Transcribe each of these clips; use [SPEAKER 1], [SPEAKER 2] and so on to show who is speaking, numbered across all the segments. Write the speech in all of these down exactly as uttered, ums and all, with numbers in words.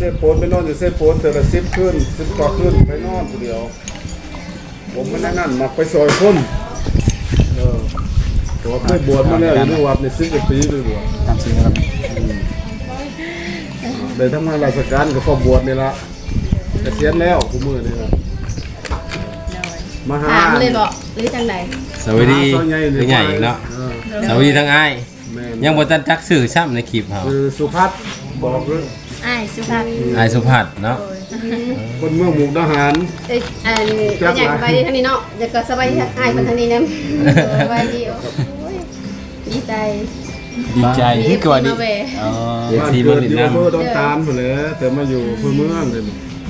[SPEAKER 1] ซโปนไปนอนอยู่เซโปนแต่ละสิบขึ้นสิบกว่าขึ้นไปนอนคนเดียวผมไม่นั่นมาไปซอยคนเออตัวเพื่อบวชมาแล้วอยู่ในวัดในสิบกว่าปีเลยบวช
[SPEAKER 2] ตามสิ่งนะครับ
[SPEAKER 1] ได้ทำงานราชการก็พอบวชนี่ละเกษียณแล้วกูมือนี่ละมาหา
[SPEAKER 3] ถามเลยบอกหรือจังใด
[SPEAKER 4] สวัสดีเป็นใหญ่เนาะสวัสดีทั้งอ้ายยังบ่ทันจักสื่อซ้ำในคลิปเฮา
[SPEAKER 1] คือสุพัฒน์บอกเลย
[SPEAKER 3] อ้ายสุภาพ
[SPEAKER 4] อ้ายสุภัทรเนาะ
[SPEAKER 1] คนเมืองมุกดาหาร
[SPEAKER 3] เอ้ยอันเป็นอย่างสบายดีทางนี้เนาะจะก็สบายดีอ้ายคนทางนี้นะสบายดีโอ้ยดีใจ
[SPEAKER 2] ดีใจที่เกิดดีอ๋อ
[SPEAKER 1] บ้านเกิดอยู่อำเภอดอนตาลหมดเลยแต่มาอยู่อำเภอเมืองเลย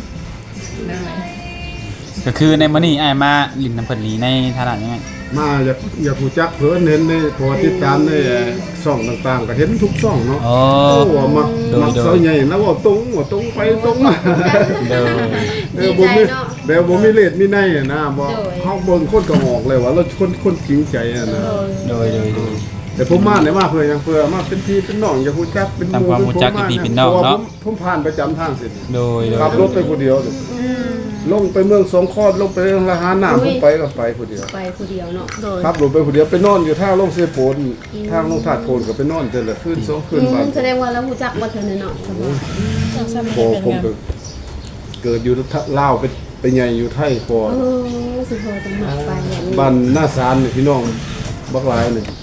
[SPEAKER 2] ก็คือในมื้อนี้อ้ายมาลิ้นน้ำเพิ่นนี้ในฐานะยังไง
[SPEAKER 1] มาอยากอยากรู้จักเพิ่นเห็นในพอติดตามในช่องต่างๆก็เห็นทุกช่องเนาะ
[SPEAKER 2] อ๋อ
[SPEAKER 1] โอ้ว่ามักมักเสาใหญ่นะว่าตรงว่าตรงไปตรงมา
[SPEAKER 2] เด้อ
[SPEAKER 1] เออบ่มีแบบบ่มีเลดมีในอะนะบ่เฮาเบิ่งคนก็ออกเลยว่าเราคนคนจริงใจอะนะ
[SPEAKER 2] โดยโดยโดย
[SPEAKER 1] แต่ผมมาเนี่ยมาเพื่อยังเพื่อมาเป็นพี่เป็นน้องอย่าฮู้จักเป็นห
[SPEAKER 2] ทำความรู้จักเป็นพี่เป็นน้องเนาะ
[SPEAKER 1] ผมผ่านประจำทางเส้น
[SPEAKER 2] โดยโดย
[SPEAKER 1] ขับรถไปผู้เดียวเลยลงไปเมืองสองคอดลงไปเรื่องละหาน้ำผมไปก็ไปผู้เดียว
[SPEAKER 3] ไปผู้เดียวเนาะโดย
[SPEAKER 1] ขับรถไปผู้เดียวไปนอนอยู่ท่าลงเสโปนทางลงถาดโพนก็ไปนอนเจอละขึ้นสองขึ้นบ้าน
[SPEAKER 3] แสดงว่าเรารู้จักว่าเธอเนาะสมอง
[SPEAKER 1] พอผมก็เกิดอยู่ลาวไปไปใหญ่อยู่ไทยพอ
[SPEAKER 3] เออสิพอจะมาไปอย่างนี้
[SPEAKER 1] บ้านหน้าศาลนี่พี่น้องบักหลายนี่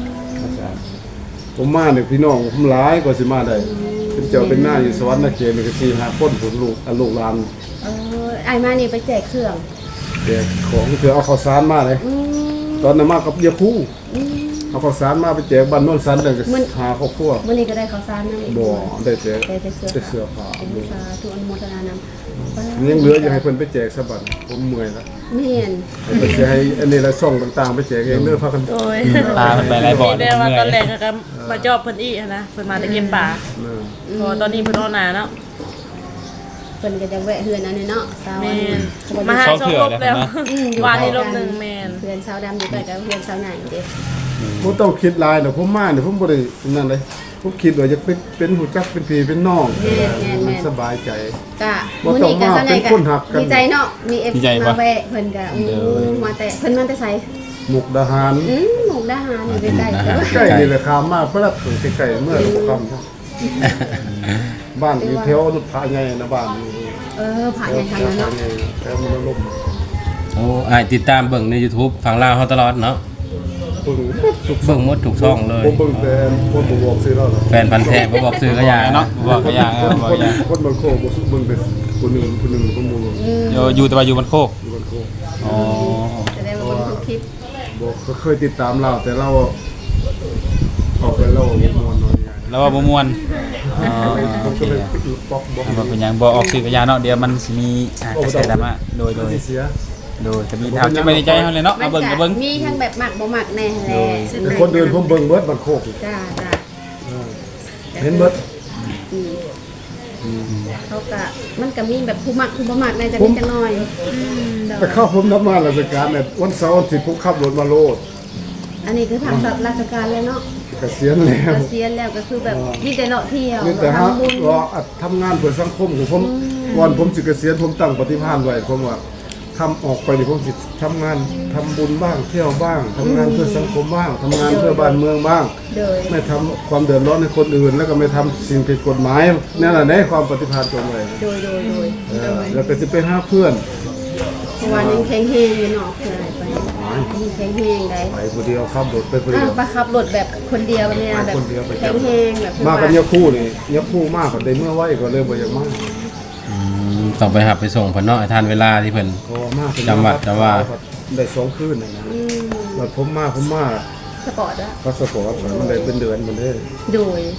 [SPEAKER 1] ผมมาเนี่ยพี่น้องผมหลายกว่าสิมาได้เป็นเจ้าเป็นหน้าอยู่สวรรค์นาเขตนี่ก็สี่ห้าคนผมลูกอ่ะลูกหลาน
[SPEAKER 3] เออไอ้มานี่ไปแจกเครื่อง
[SPEAKER 1] แต่ของเถือเอาข้าวสารมาเลย
[SPEAKER 3] อืม
[SPEAKER 1] ตอนนั้นมากับยาคู
[SPEAKER 3] อืม
[SPEAKER 1] เอาข้าวสารมาไปแจกบ้านโน้นสันเลยก็
[SPEAKER 3] มัน
[SPEAKER 1] หาครอบครัว
[SPEAKER 3] วันนี้ก็ได้ข้าวสารนะ
[SPEAKER 1] บ่ได้แจก
[SPEAKER 3] ได้แต่เสื้อ
[SPEAKER 1] ได้เสื้อผ้า
[SPEAKER 3] เป็นสาธุอนุโมทนานำ
[SPEAKER 1] ยังเหลืออยู่ให้เพิ่นไปแจกซะบัดผมเมื่อยแล้ว
[SPEAKER 3] เมียน
[SPEAKER 1] ให้เพิ่นสิให้อันนี้ละซ่องต่างๆไปแจกเองเด้อพากัน
[SPEAKER 5] โดย
[SPEAKER 2] ตาเพิ่นไปหลายบ่อ
[SPEAKER 5] เดี๋
[SPEAKER 2] เด้
[SPEAKER 5] ยว
[SPEAKER 2] อ
[SPEAKER 5] มา
[SPEAKER 2] เมื่
[SPEAKER 5] ต
[SPEAKER 2] อ
[SPEAKER 5] อนแร
[SPEAKER 2] ย
[SPEAKER 5] กก็มาจอบเพิ่นอีกนะเพิ่นมาแต่เก็บป่า
[SPEAKER 1] เออ
[SPEAKER 5] พอตอนนี้เพิ่นออนหนาเนาะ
[SPEAKER 3] เพิ่นก็จะแวะเฮือนอันนี้เนาะสาว
[SPEAKER 5] แม
[SPEAKER 3] อัน
[SPEAKER 5] นมาหาสองลบแล้ววานนี้ลบหนึ่งแมน
[SPEAKER 3] เฮือนสาวดำอยู่ใกล้กับเฮือนสาวใหญ่เด้
[SPEAKER 1] บ่ต้องคิดหลายดอกผมมาเนี่ยผมบ่ได้นั่นเลยผมคิดว่าจะเป็นเป็นหูจักเป็นพี่เป็นน้องมันสบายใจ
[SPEAKER 3] กะ
[SPEAKER 1] บ่
[SPEAKER 3] มื้อ
[SPEAKER 1] ต้อง
[SPEAKER 3] นี้ก็
[SPEAKER 1] มา
[SPEAKER 3] สาวใหญ่
[SPEAKER 1] เป็นคนหักกัน
[SPEAKER 3] ดีใจเนาะมี เอฟ ซี มาแวะเพิ่นก็อู้มาแต่เพิ่นมาแต่ไส
[SPEAKER 1] มุกดาหาร
[SPEAKER 3] อืมหมู่ดาหารอยู่ใกล้ๆกัน
[SPEAKER 1] ใกล้นี่แหละขามมาเพราะว่าถึงใกล้ๆเมื่อเราคำครับบ้านอยู่แถวนุชพาใหญ่นะบ้านอยู่
[SPEAKER 3] เออผ่านอย่างทางนั้นเนาะ
[SPEAKER 1] แถวมันล่ม
[SPEAKER 4] โอ้อ้ายติดตามเบิ่งใน YouTube ฝั่งลาวเฮาตลอดเนาะ
[SPEAKER 1] ปึ้งสุก
[SPEAKER 4] เบิ่งหมดทุกช่องเลย
[SPEAKER 1] ผมเบิ่งแต่คนบ่บอกซื้อแล้ว
[SPEAKER 4] แฟนพันธุ์แท้บ่บอกซื้อก็อย่า
[SPEAKER 2] เนาะ
[SPEAKER 4] เนาะ
[SPEAKER 2] บอกก็อย่าง
[SPEAKER 1] คน
[SPEAKER 2] บอก
[SPEAKER 1] คน
[SPEAKER 2] อย่าง
[SPEAKER 1] คนบางโคกบ่เบิ่งแต่คนหนึงคนหนึงคนหมู่
[SPEAKER 2] อยู่อยู่แต่ว่าอยู่บนโคก
[SPEAKER 1] อยู่บางโคก
[SPEAKER 2] อ๋อ
[SPEAKER 3] แสดงว่าเพิ่นทุกคลิป
[SPEAKER 1] บอกก็เคยติดตามเราแต่เราออกไปเราบ่ม่วนหน่อยใหญ่
[SPEAKER 2] แล้วว่าบ่ม่วนอ๋อ
[SPEAKER 1] ผ
[SPEAKER 2] โอ
[SPEAKER 1] ม
[SPEAKER 2] เค
[SPEAKER 1] ก็เลยบล็อกบล็อก
[SPEAKER 2] เอาบ่เป็นหยังบ่ออกสื่อกระยาเนาะเดี๋ยวมันสิมีอ่ากระแสดราม่าโดยโดย
[SPEAKER 1] ที่เสีย
[SPEAKER 2] โดยจะมีทางจะไปในใจเฮาเลยเนาะเอาเบิ่งเอาเบิ่ง
[SPEAKER 3] มีทั้งแบบมักบ่มักแน่แหละ
[SPEAKER 1] แต่คนเดินผมเบิ่งเบิดบางโคก
[SPEAKER 3] จ้าจ้า
[SPEAKER 1] เห็นเบิด
[SPEAKER 3] อืมเขาก็มันก็มีแบบผู้มักผู้บ่มักในจะมีจังน้อย
[SPEAKER 1] แต่เข้าผมทำงานราชการเนี่ยวันเสาร์วันอาทิตย์ผมขับรถมาโลด
[SPEAKER 3] อันนี้คือทางราชการเลยเนาะ
[SPEAKER 1] เกษียณแล้ว
[SPEAKER 3] เกษียณแล้วก็คือแบบมีแต่เลาะเที่ยว
[SPEAKER 1] นี่แต่ฮะ
[SPEAKER 3] ทำบุญ
[SPEAKER 1] รออัดทำงานเพื่อสังคมของผมก่อนผมสิเกษียณผมตั้งปฏิภาณไว้ผมว่าทำออกไปนี่ผมสิทำงานทำบุญบ้างเที่ยวบ้างทำงานเพื่อสังคมบ้างทำงานเพื่อบ้านเมืองบ้าง
[SPEAKER 3] โดย
[SPEAKER 1] ไม่ทำความเดือดร้อนให้คนอื่น แล้วก็ไม่ทำสิ่งผิดกฎหมายนั่นแหละในความปฏิภาณตรงเลย
[SPEAKER 3] โดยโดยโดย
[SPEAKER 1] เออแล้วก็จะไปหาเพื่อน
[SPEAKER 3] เพราะว่ายังแข็งแฮงอยู่เนาะคืออะไรไปยังแข็งแฮงได้
[SPEAKER 1] ไปคนเดียวขับรถไปคน
[SPEAKER 3] อ่า
[SPEAKER 1] เดียว
[SPEAKER 3] ประขับรถแบบคนเดียวเนี่ย
[SPEAKER 1] ไป
[SPEAKER 3] แบบ
[SPEAKER 1] คนเดียวไป
[SPEAKER 3] แข็งแฮงแบบ
[SPEAKER 1] มากันยาคู่นี่ยาคู่มากกว่าได้เมื่อไหวก็เลยบ่อยากมาก
[SPEAKER 4] อืมต้องไปหับไปส่งเพิ่นเนาะให้ทันเวลาที่เพิ่น
[SPEAKER 1] ก็มาก
[SPEAKER 4] จำวัดจำว่า
[SPEAKER 1] ได้สองคืนนะนะ
[SPEAKER 3] อืม
[SPEAKER 1] แล้วผมมาผมมา
[SPEAKER 3] สปอร์ตอะ
[SPEAKER 1] พาสปอร์ตมันได้เป็นเดือนมันได้
[SPEAKER 3] โดย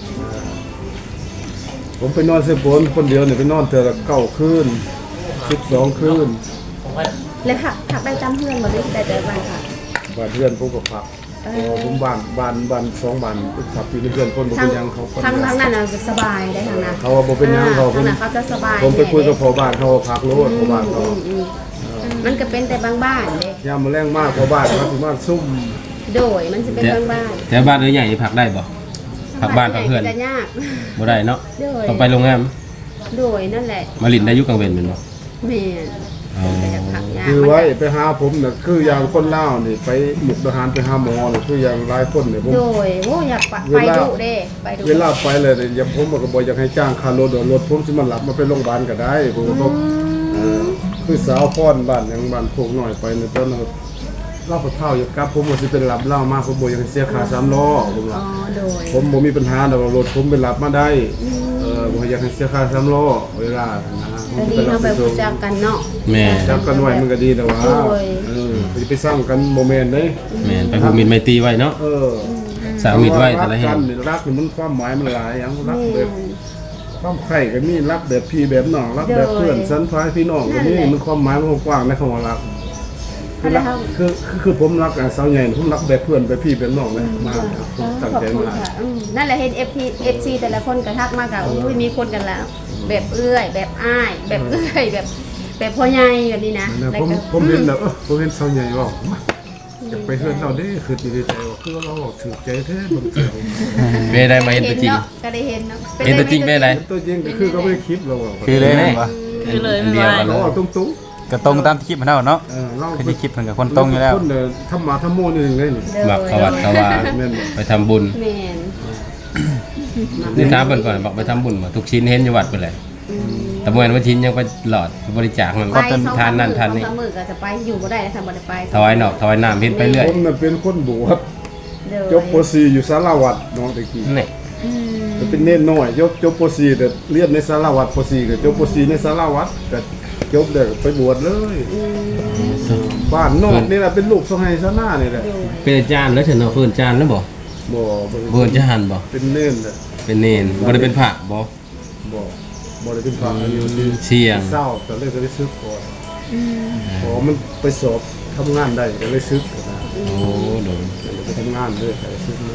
[SPEAKER 1] ผมไปนอนเซโปนคนเดียวเนี่ยไปนอนเทื่อละเก้าคืนสิบสองคืน
[SPEAKER 3] แล้วผักผักได้จำเพื่อนมาด้วยแต่แต่บ้านค่ะ
[SPEAKER 1] บ้านเพื่อนผมก็พักพอผมบ้านบ้านบ้านสองบ้านพักอยู่ในเพื่อนคนบ่
[SPEAKER 3] ทาง
[SPEAKER 1] เป็นหยังเขาคน
[SPEAKER 3] ทางทางนั้นน่ะจะสบายได้ทางนั้น
[SPEAKER 1] เขาว่าบ่เป็นหยังเขา
[SPEAKER 3] ทางนั้นเขาจะสบาย
[SPEAKER 1] ผมไปคุยกับพ่อบ้านเขาว่าพักโลดพ่อบ้านเขา
[SPEAKER 3] อืมอืมมันก็เป็นแต่บางบ้านเด้
[SPEAKER 1] ยามมาแรงมากพ่อบ้านเขาสิมาซุ่ม
[SPEAKER 3] โดยมันจะเป็นบางบ้าน
[SPEAKER 4] แต่บ้านเอ้ยใหญ่นี่พักได้บ่พักบ้านพักเพื่อน
[SPEAKER 3] จะยาก
[SPEAKER 4] บ่ได้เนาะ
[SPEAKER 3] โดย
[SPEAKER 4] ต้องไปโรงแรม
[SPEAKER 3] โดยนั่นแหละ
[SPEAKER 4] มาลินได้อยุกลางเวนเป็นบ่
[SPEAKER 3] แม่น
[SPEAKER 4] อ๋อ
[SPEAKER 3] ก็อยากพักยา
[SPEAKER 1] คือไว้ไปหาผมน่ะคืออย่างคนลาวนี่ไปหมุกทหารไปหาหมอนี่คืออย่างหลายคนเนี่ยผม
[SPEAKER 3] โดยโอ้อยากไป
[SPEAKER 1] เว
[SPEAKER 3] ไป
[SPEAKER 1] ลา
[SPEAKER 3] ดูเด้ไปดู
[SPEAKER 1] เวลาไปเลยเนี่ยอย่างผมก็บ่อยากให้จ้างค่ารถรถผมสิมารับมาไปโรงพยาบาลก็ได้ผมก็ต้องเอ่อคือสาวพรบ้านหยังบ้านโคกน้อยไปในตอนนั้นเล่าเท่าอยู่กับผมว่าสิเป็นรับเล่ามาผมบ่อยากให้เสียค่าสามล้อผม
[SPEAKER 3] อ๋
[SPEAKER 1] ว่า
[SPEAKER 3] อโดย
[SPEAKER 1] ผมบ่มีปัญหาดอกรถผมไปรับมาได้เออบ่อยากให้เสียค่าสามล้อเวลานะ
[SPEAKER 3] ก็ดีเฮาไปรู้จักกันเนาะ
[SPEAKER 4] แม่
[SPEAKER 1] จับกันไว้มันก็ดีแต่ว่า
[SPEAKER 3] โอ้ย
[SPEAKER 1] เออสิไปสร้างกันโมเมนต์เด้
[SPEAKER 4] แม่นไปผูกมิตรไมตรีไว้เนาะ
[SPEAKER 1] เออ
[SPEAKER 4] สาวมิตรไว้แต่ละแห่
[SPEAKER 1] รัก
[SPEAKER 4] ง
[SPEAKER 1] กันนี่รักนี่มันความหมายมันหลายอย่างรัก
[SPEAKER 3] แม่
[SPEAKER 1] แบบความใคร่ก็มีรักแบบพี่แบบน้องรักแบบเพื่อนสันพายพี่น้องก็มีมันความหมายมันกว้างในคำว่ารักคือรักคือคือคือผมรักอ่ะสาวใหญ่ผมรักแบบเพื่อนแบบพี่แบบน้องเลยมากครับผมตั้ง
[SPEAKER 3] ขอบ
[SPEAKER 1] ใจ
[SPEAKER 3] คุณ
[SPEAKER 1] มาก
[SPEAKER 3] ค่ะอืมนั่นแหละเห็น เอฟ พี เอฟ ซี แต่ละคนก็ทักมากะอุ้ยมีคนกันแล้ว แบบเอื้อย แบบอ้าย แบบเอื้อยแบบแบบพ่อใหญ่แบบนี้นะ
[SPEAKER 1] นะ
[SPEAKER 3] แล้ว
[SPEAKER 1] ผม
[SPEAKER 3] ก็
[SPEAKER 1] ผมเห็นแล้วเออผมเห็นสาวใหญ่ว่าจะไปเฮือนเราเด้คือดีใจว่าคือเราบอกถือใจแท้บนเกี่ยว
[SPEAKER 4] เม่ได้มาเห็นตัวจริง
[SPEAKER 3] เนาะก็ได้เห็นเนาะ
[SPEAKER 4] เห็นตัวจริงเป็นไร
[SPEAKER 1] ตัวจริงก็คือก็ไม่คลิปเราอะ
[SPEAKER 2] คือเลยแม่นบ่
[SPEAKER 5] คือเลย
[SPEAKER 4] อันเดียวกันเล
[SPEAKER 1] เรา
[SPEAKER 4] ย
[SPEAKER 1] เอาตรง
[SPEAKER 2] ก็ตรงตามที่คลิปมันเนาะเนาะ
[SPEAKER 1] ๆเออเรา
[SPEAKER 2] คือที่คลิปเพิ่นก็คนตรงอยู่แล้ว
[SPEAKER 1] คนเนี่ยทำมาทำโม่นี่หนึ่งเลยนี่
[SPEAKER 4] หมักขวัดขวา
[SPEAKER 1] แม่นบ่
[SPEAKER 4] ไปทำบุญ
[SPEAKER 3] แม่น
[SPEAKER 4] นี่ถามเพิ่นก่อนบอกไปทำบุญมาทุกชิ้นเห็นอยู่วัดเพิ่นแหละแต่เมื่อวันวันชิ้นยังไปหลอดไปบริจาคมัน
[SPEAKER 3] ไป
[SPEAKER 4] ก็
[SPEAKER 3] สอง
[SPEAKER 4] ทานนั่นทานนี่
[SPEAKER 3] สองสามมื้อก็จะไปอยู่บ่ได้แล้วค่ะบ่ได้ไป
[SPEAKER 4] ถวายนอกถวายน้ำเห็นไปเรื่อย
[SPEAKER 1] ผมน่ะเป็นคนบวช
[SPEAKER 3] เด้อ
[SPEAKER 1] จบป .สี่ อยู่สารวัตรน้องตะกี้
[SPEAKER 4] นี่
[SPEAKER 3] อืม
[SPEAKER 1] จะเป็นเน้นน้อยจบจบป .สี่ แต่เรียนในสารวัตรป .สี่ ก็จบป .สี่ ในสารวัตรก็จบได้ไปบวชเลยบ้านนอกนี่แหละเป็นลูกสะใภ้ซะหน้านี่แหละ
[SPEAKER 4] เป็นอาจารย์แล้วฉันเอาเพิ่นอาจารย์แล้วบ่
[SPEAKER 1] บ่บ่
[SPEAKER 4] เพิ่นจะหันบ่
[SPEAKER 1] เป็นเน้นแหละ
[SPEAKER 4] เป็นเนนบ่ได้เป็นพระบ่
[SPEAKER 1] บ่บ่ได้เป็นพระอายุที่
[SPEAKER 4] เชียง
[SPEAKER 1] เศร้าก็เลยก็ได้ซึกก่อนพอมันไปสอบทำงานได้ก็เลยซึกนะ
[SPEAKER 4] โอ้โดน
[SPEAKER 1] ไปทำงานเลยก็เลยซึกมา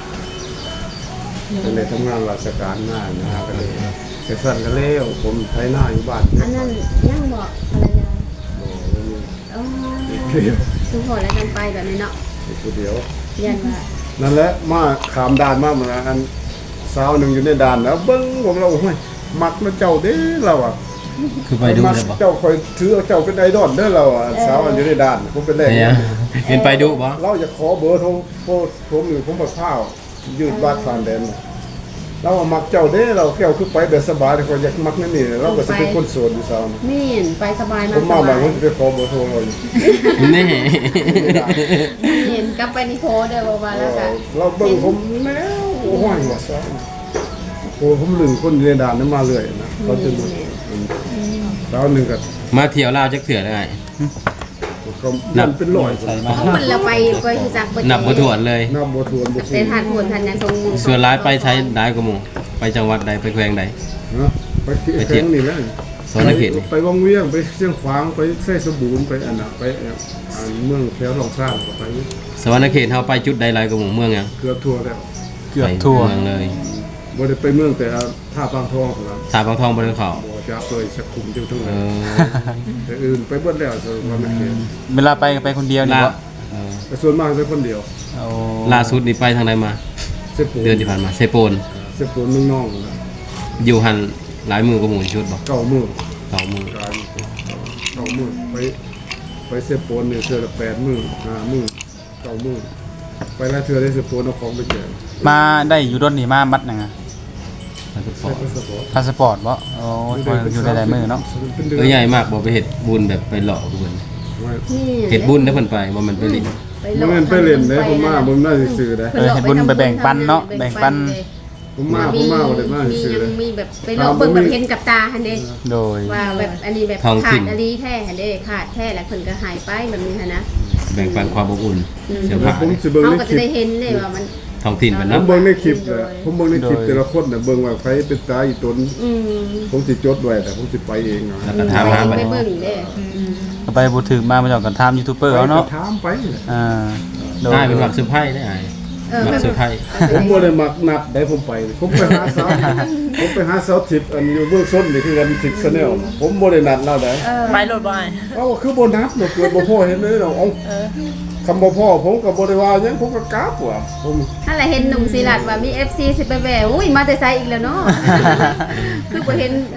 [SPEAKER 1] ก็เลยทำงานราชการหน้านะฮะก็เลยเสร็จสั้นก็เล้วผมไถหน้าอยู่บ้าน
[SPEAKER 3] อันนั้นยังบอกภรรยา
[SPEAKER 1] บ่
[SPEAKER 3] อ๋อ
[SPEAKER 1] เดียว
[SPEAKER 3] ทุกคนแล้วกันไปแบบนี้เนาะ
[SPEAKER 1] ผู้เดียว
[SPEAKER 3] ยันว่า
[SPEAKER 1] นั่นแหละมาขามด่านมาเหมือนอันสาวหนึ่งอยู่ในด่านแล้วเบิ้งผมเราห้ยมักนะเจ้าเด้เราอ่ะ
[SPEAKER 4] คือไปดู
[SPEAKER 1] มัก
[SPEAKER 4] ได้บ่
[SPEAKER 1] เจ้าคอยถือเอาเจ้าเป็นไอดอลเด้อเราอ่ะสาวอันอยู่ในด่านผมเป็นแรก
[SPEAKER 4] เนี่ยเห็นไปดูบ่
[SPEAKER 1] เราจะขอเบอร์โทรโทรผมหรือผมมาข้าวยืดบาดผ่านแดนน่ะเราอะมักเจ้าเด้เราแก้วคือไปแบบสบายแต่คนอยากมักนั่นนี่เราก็จะเป็นคนโสดอยู่สาวน่ะ
[SPEAKER 3] แม่นไปสบาย
[SPEAKER 1] ผม
[SPEAKER 3] มา
[SPEAKER 1] มา
[SPEAKER 3] ส
[SPEAKER 1] บา
[SPEAKER 3] บาง ย
[SPEAKER 1] คนจะไปขอเบอร์โทรเราอยู่
[SPEAKER 4] นี่
[SPEAKER 3] เห็นกลับไปนี่โพสต์เด้อบอกว่าแล้วกัน
[SPEAKER 1] เราเบิ่งผมแล้วโอ้ยว่าซะโอ้ผมลืมคนอยู่ในด่านนั้นมาเรื่อยนะเขาจะดูสาวหนึ่งก็
[SPEAKER 4] มาเที่ยวลาวจักเถื่อได้ไง
[SPEAKER 1] ก็มันเป็นร้อย
[SPEAKER 2] ใส่มา
[SPEAKER 3] เพราะมันเราไปไปคือจักไป
[SPEAKER 4] นับบ่ถ้วนเลย
[SPEAKER 1] น้ำบัวทวนบัว
[SPEAKER 3] แต่ทานผลทานยังทรงมือ
[SPEAKER 4] ส่วนร้ายไปใช้ได้กว่าหมู่ไปจังหวัดใดไปแขวงใด
[SPEAKER 1] นะไปแข่งนี่แหละ
[SPEAKER 4] สอนเขตนี่
[SPEAKER 1] ไปวังเวียงไปเชียงขวางไปไส้สบูรณ์ไปอันน่ะไปอันเมืองแถวหนองสร้างก็ไป
[SPEAKER 4] สวรรณเขตเฮาไปจุดใดหลายกว่าหมู่เมืองหยัง
[SPEAKER 1] เกือบทั่วแล้ว
[SPEAKER 2] เกือบทั่ว
[SPEAKER 4] ไปเมืองเลย
[SPEAKER 1] บ่ได้ไปเมืองแต่ท่าบางทองครับ
[SPEAKER 4] สาบางทองบ่ได้เข้า
[SPEAKER 1] บ่จะเคยสักคุมเจ้าทั้ง
[SPEAKER 4] เอ
[SPEAKER 1] นั้น
[SPEAKER 4] อ
[SPEAKER 1] แต่อื่นไปเบิดแล้วส่วนมากไม่เห็น
[SPEAKER 2] เวลาไปก็ไปคนเดียวนี่
[SPEAKER 4] ล่า
[SPEAKER 2] บ่
[SPEAKER 4] เออ
[SPEAKER 1] แต่ส่วนมากไปคนเดียว
[SPEAKER 2] เอา
[SPEAKER 4] ล่าสุดนี่ไปทางใดมา
[SPEAKER 1] เสพปู
[SPEAKER 4] เดือนที่ผ่านมาเซโปน
[SPEAKER 1] เสพปูนเมืองนอกนะ
[SPEAKER 4] อยู่หันหลายมือกว่าหมู่ชุดบ่
[SPEAKER 1] เก้ามือ
[SPEAKER 4] สองมือ
[SPEAKER 1] การเก้ามือไปไปเสพปูนเนี่ยเทื่อละแปดมือห้ามือเก้ามือไปแล้วเทื่อได้เสพปูนเอาของไปแจก
[SPEAKER 2] มาได้อยู่รถนี่มามัดหยังอ่ะ
[SPEAKER 1] ใช้พาสปอร์ต
[SPEAKER 2] พาสปอร์ตบ่โอ้ยอยู่ได้หลายมื้อเนาะ
[SPEAKER 1] เป็นเดือน
[SPEAKER 4] เออใหญ่มากบ่ไปเฮ็ดบุญแบบไปหลอกเพิ่น
[SPEAKER 3] นี่
[SPEAKER 4] เฮ็ดบุญได้เพิ่นไปบ่มันไปลิ้น
[SPEAKER 1] มันเป็นไปเล่นได้ผมมาผมน่าสิซื้อได้
[SPEAKER 2] เออเฮ็ดบุญไปแบ่งปันเนาะแบ่งปัน
[SPEAKER 1] ผมมาผมมาบ่ได้มา
[SPEAKER 3] มี
[SPEAKER 1] ซื้อ
[SPEAKER 3] ยั
[SPEAKER 1] เล
[SPEAKER 3] ง
[SPEAKER 1] ย
[SPEAKER 3] มีแบบไปลองเบิ่งแบบเห็นกับตาหั่นเด้
[SPEAKER 2] โดย
[SPEAKER 3] ว่าแบบอันนี้แบบขาดอันนี้แท้หั่นเด้ขาดแท้แล้วเพิ่นก็หายไปแบบนี้หั่นนะ
[SPEAKER 4] แบ่งปันความอบอุ่นเสื้อผ้า
[SPEAKER 1] ผมสิเบิ่ง
[SPEAKER 3] เฮา
[SPEAKER 1] ใน
[SPEAKER 3] ก็
[SPEAKER 1] ค
[SPEAKER 3] จะ
[SPEAKER 1] ลิป
[SPEAKER 3] ได้เห็นเลยว่ามัน
[SPEAKER 4] ท้องถิ่นเพิ่น
[SPEAKER 1] ผม
[SPEAKER 4] เนาะ
[SPEAKER 1] เบิ่งในคลิปน่ะผมเบิ่งในคลิปแต่ละคนน่ะเบิ่งว่าใครเป็นตาอีตน
[SPEAKER 3] อืม
[SPEAKER 1] ผมสิจดไว้แต่ผมสิไปเองอ่ะ
[SPEAKER 4] แล้วก็ถามหาบัด
[SPEAKER 3] ไป
[SPEAKER 4] นี้
[SPEAKER 3] เบิ่งเด้
[SPEAKER 2] ก็ไปบ่ถึงมามาจากกันถามยูทูบเบอร์เอาเนาะ
[SPEAKER 1] ถามไป
[SPEAKER 2] อ่าโดย
[SPEAKER 4] ได้เป็นหลักเซอร์ไพรส์ได้อ้าย
[SPEAKER 3] เออ
[SPEAKER 4] หลักเซอร์ไพรส์
[SPEAKER 1] ผมบ่ได้มักนัดได้ผมไป ผมไปหาสาวผมไปหาสาวทิพย์อันอยู่เบื้องต้นนี่คือกันทิพย์ชาแนลผมบ่ได้นัดเราได้
[SPEAKER 3] เออ
[SPEAKER 5] ไปรถบ่าย
[SPEAKER 1] เอ้าคือบ่นัดบ่เกิดบ่พอเห็นเลยเนาะเอ้า
[SPEAKER 5] เออ
[SPEAKER 1] คำบ่พอผมก็บ่ได้ว่าหยังผมก็กราบว่ะผม
[SPEAKER 3] ถ้าแหละเห็นหนุ่มศิลัดว่ามี เอฟ ซี สิไปแหวอุ้ยมาแต่ไสอีกแล้วเนาะ คือบ่เห็น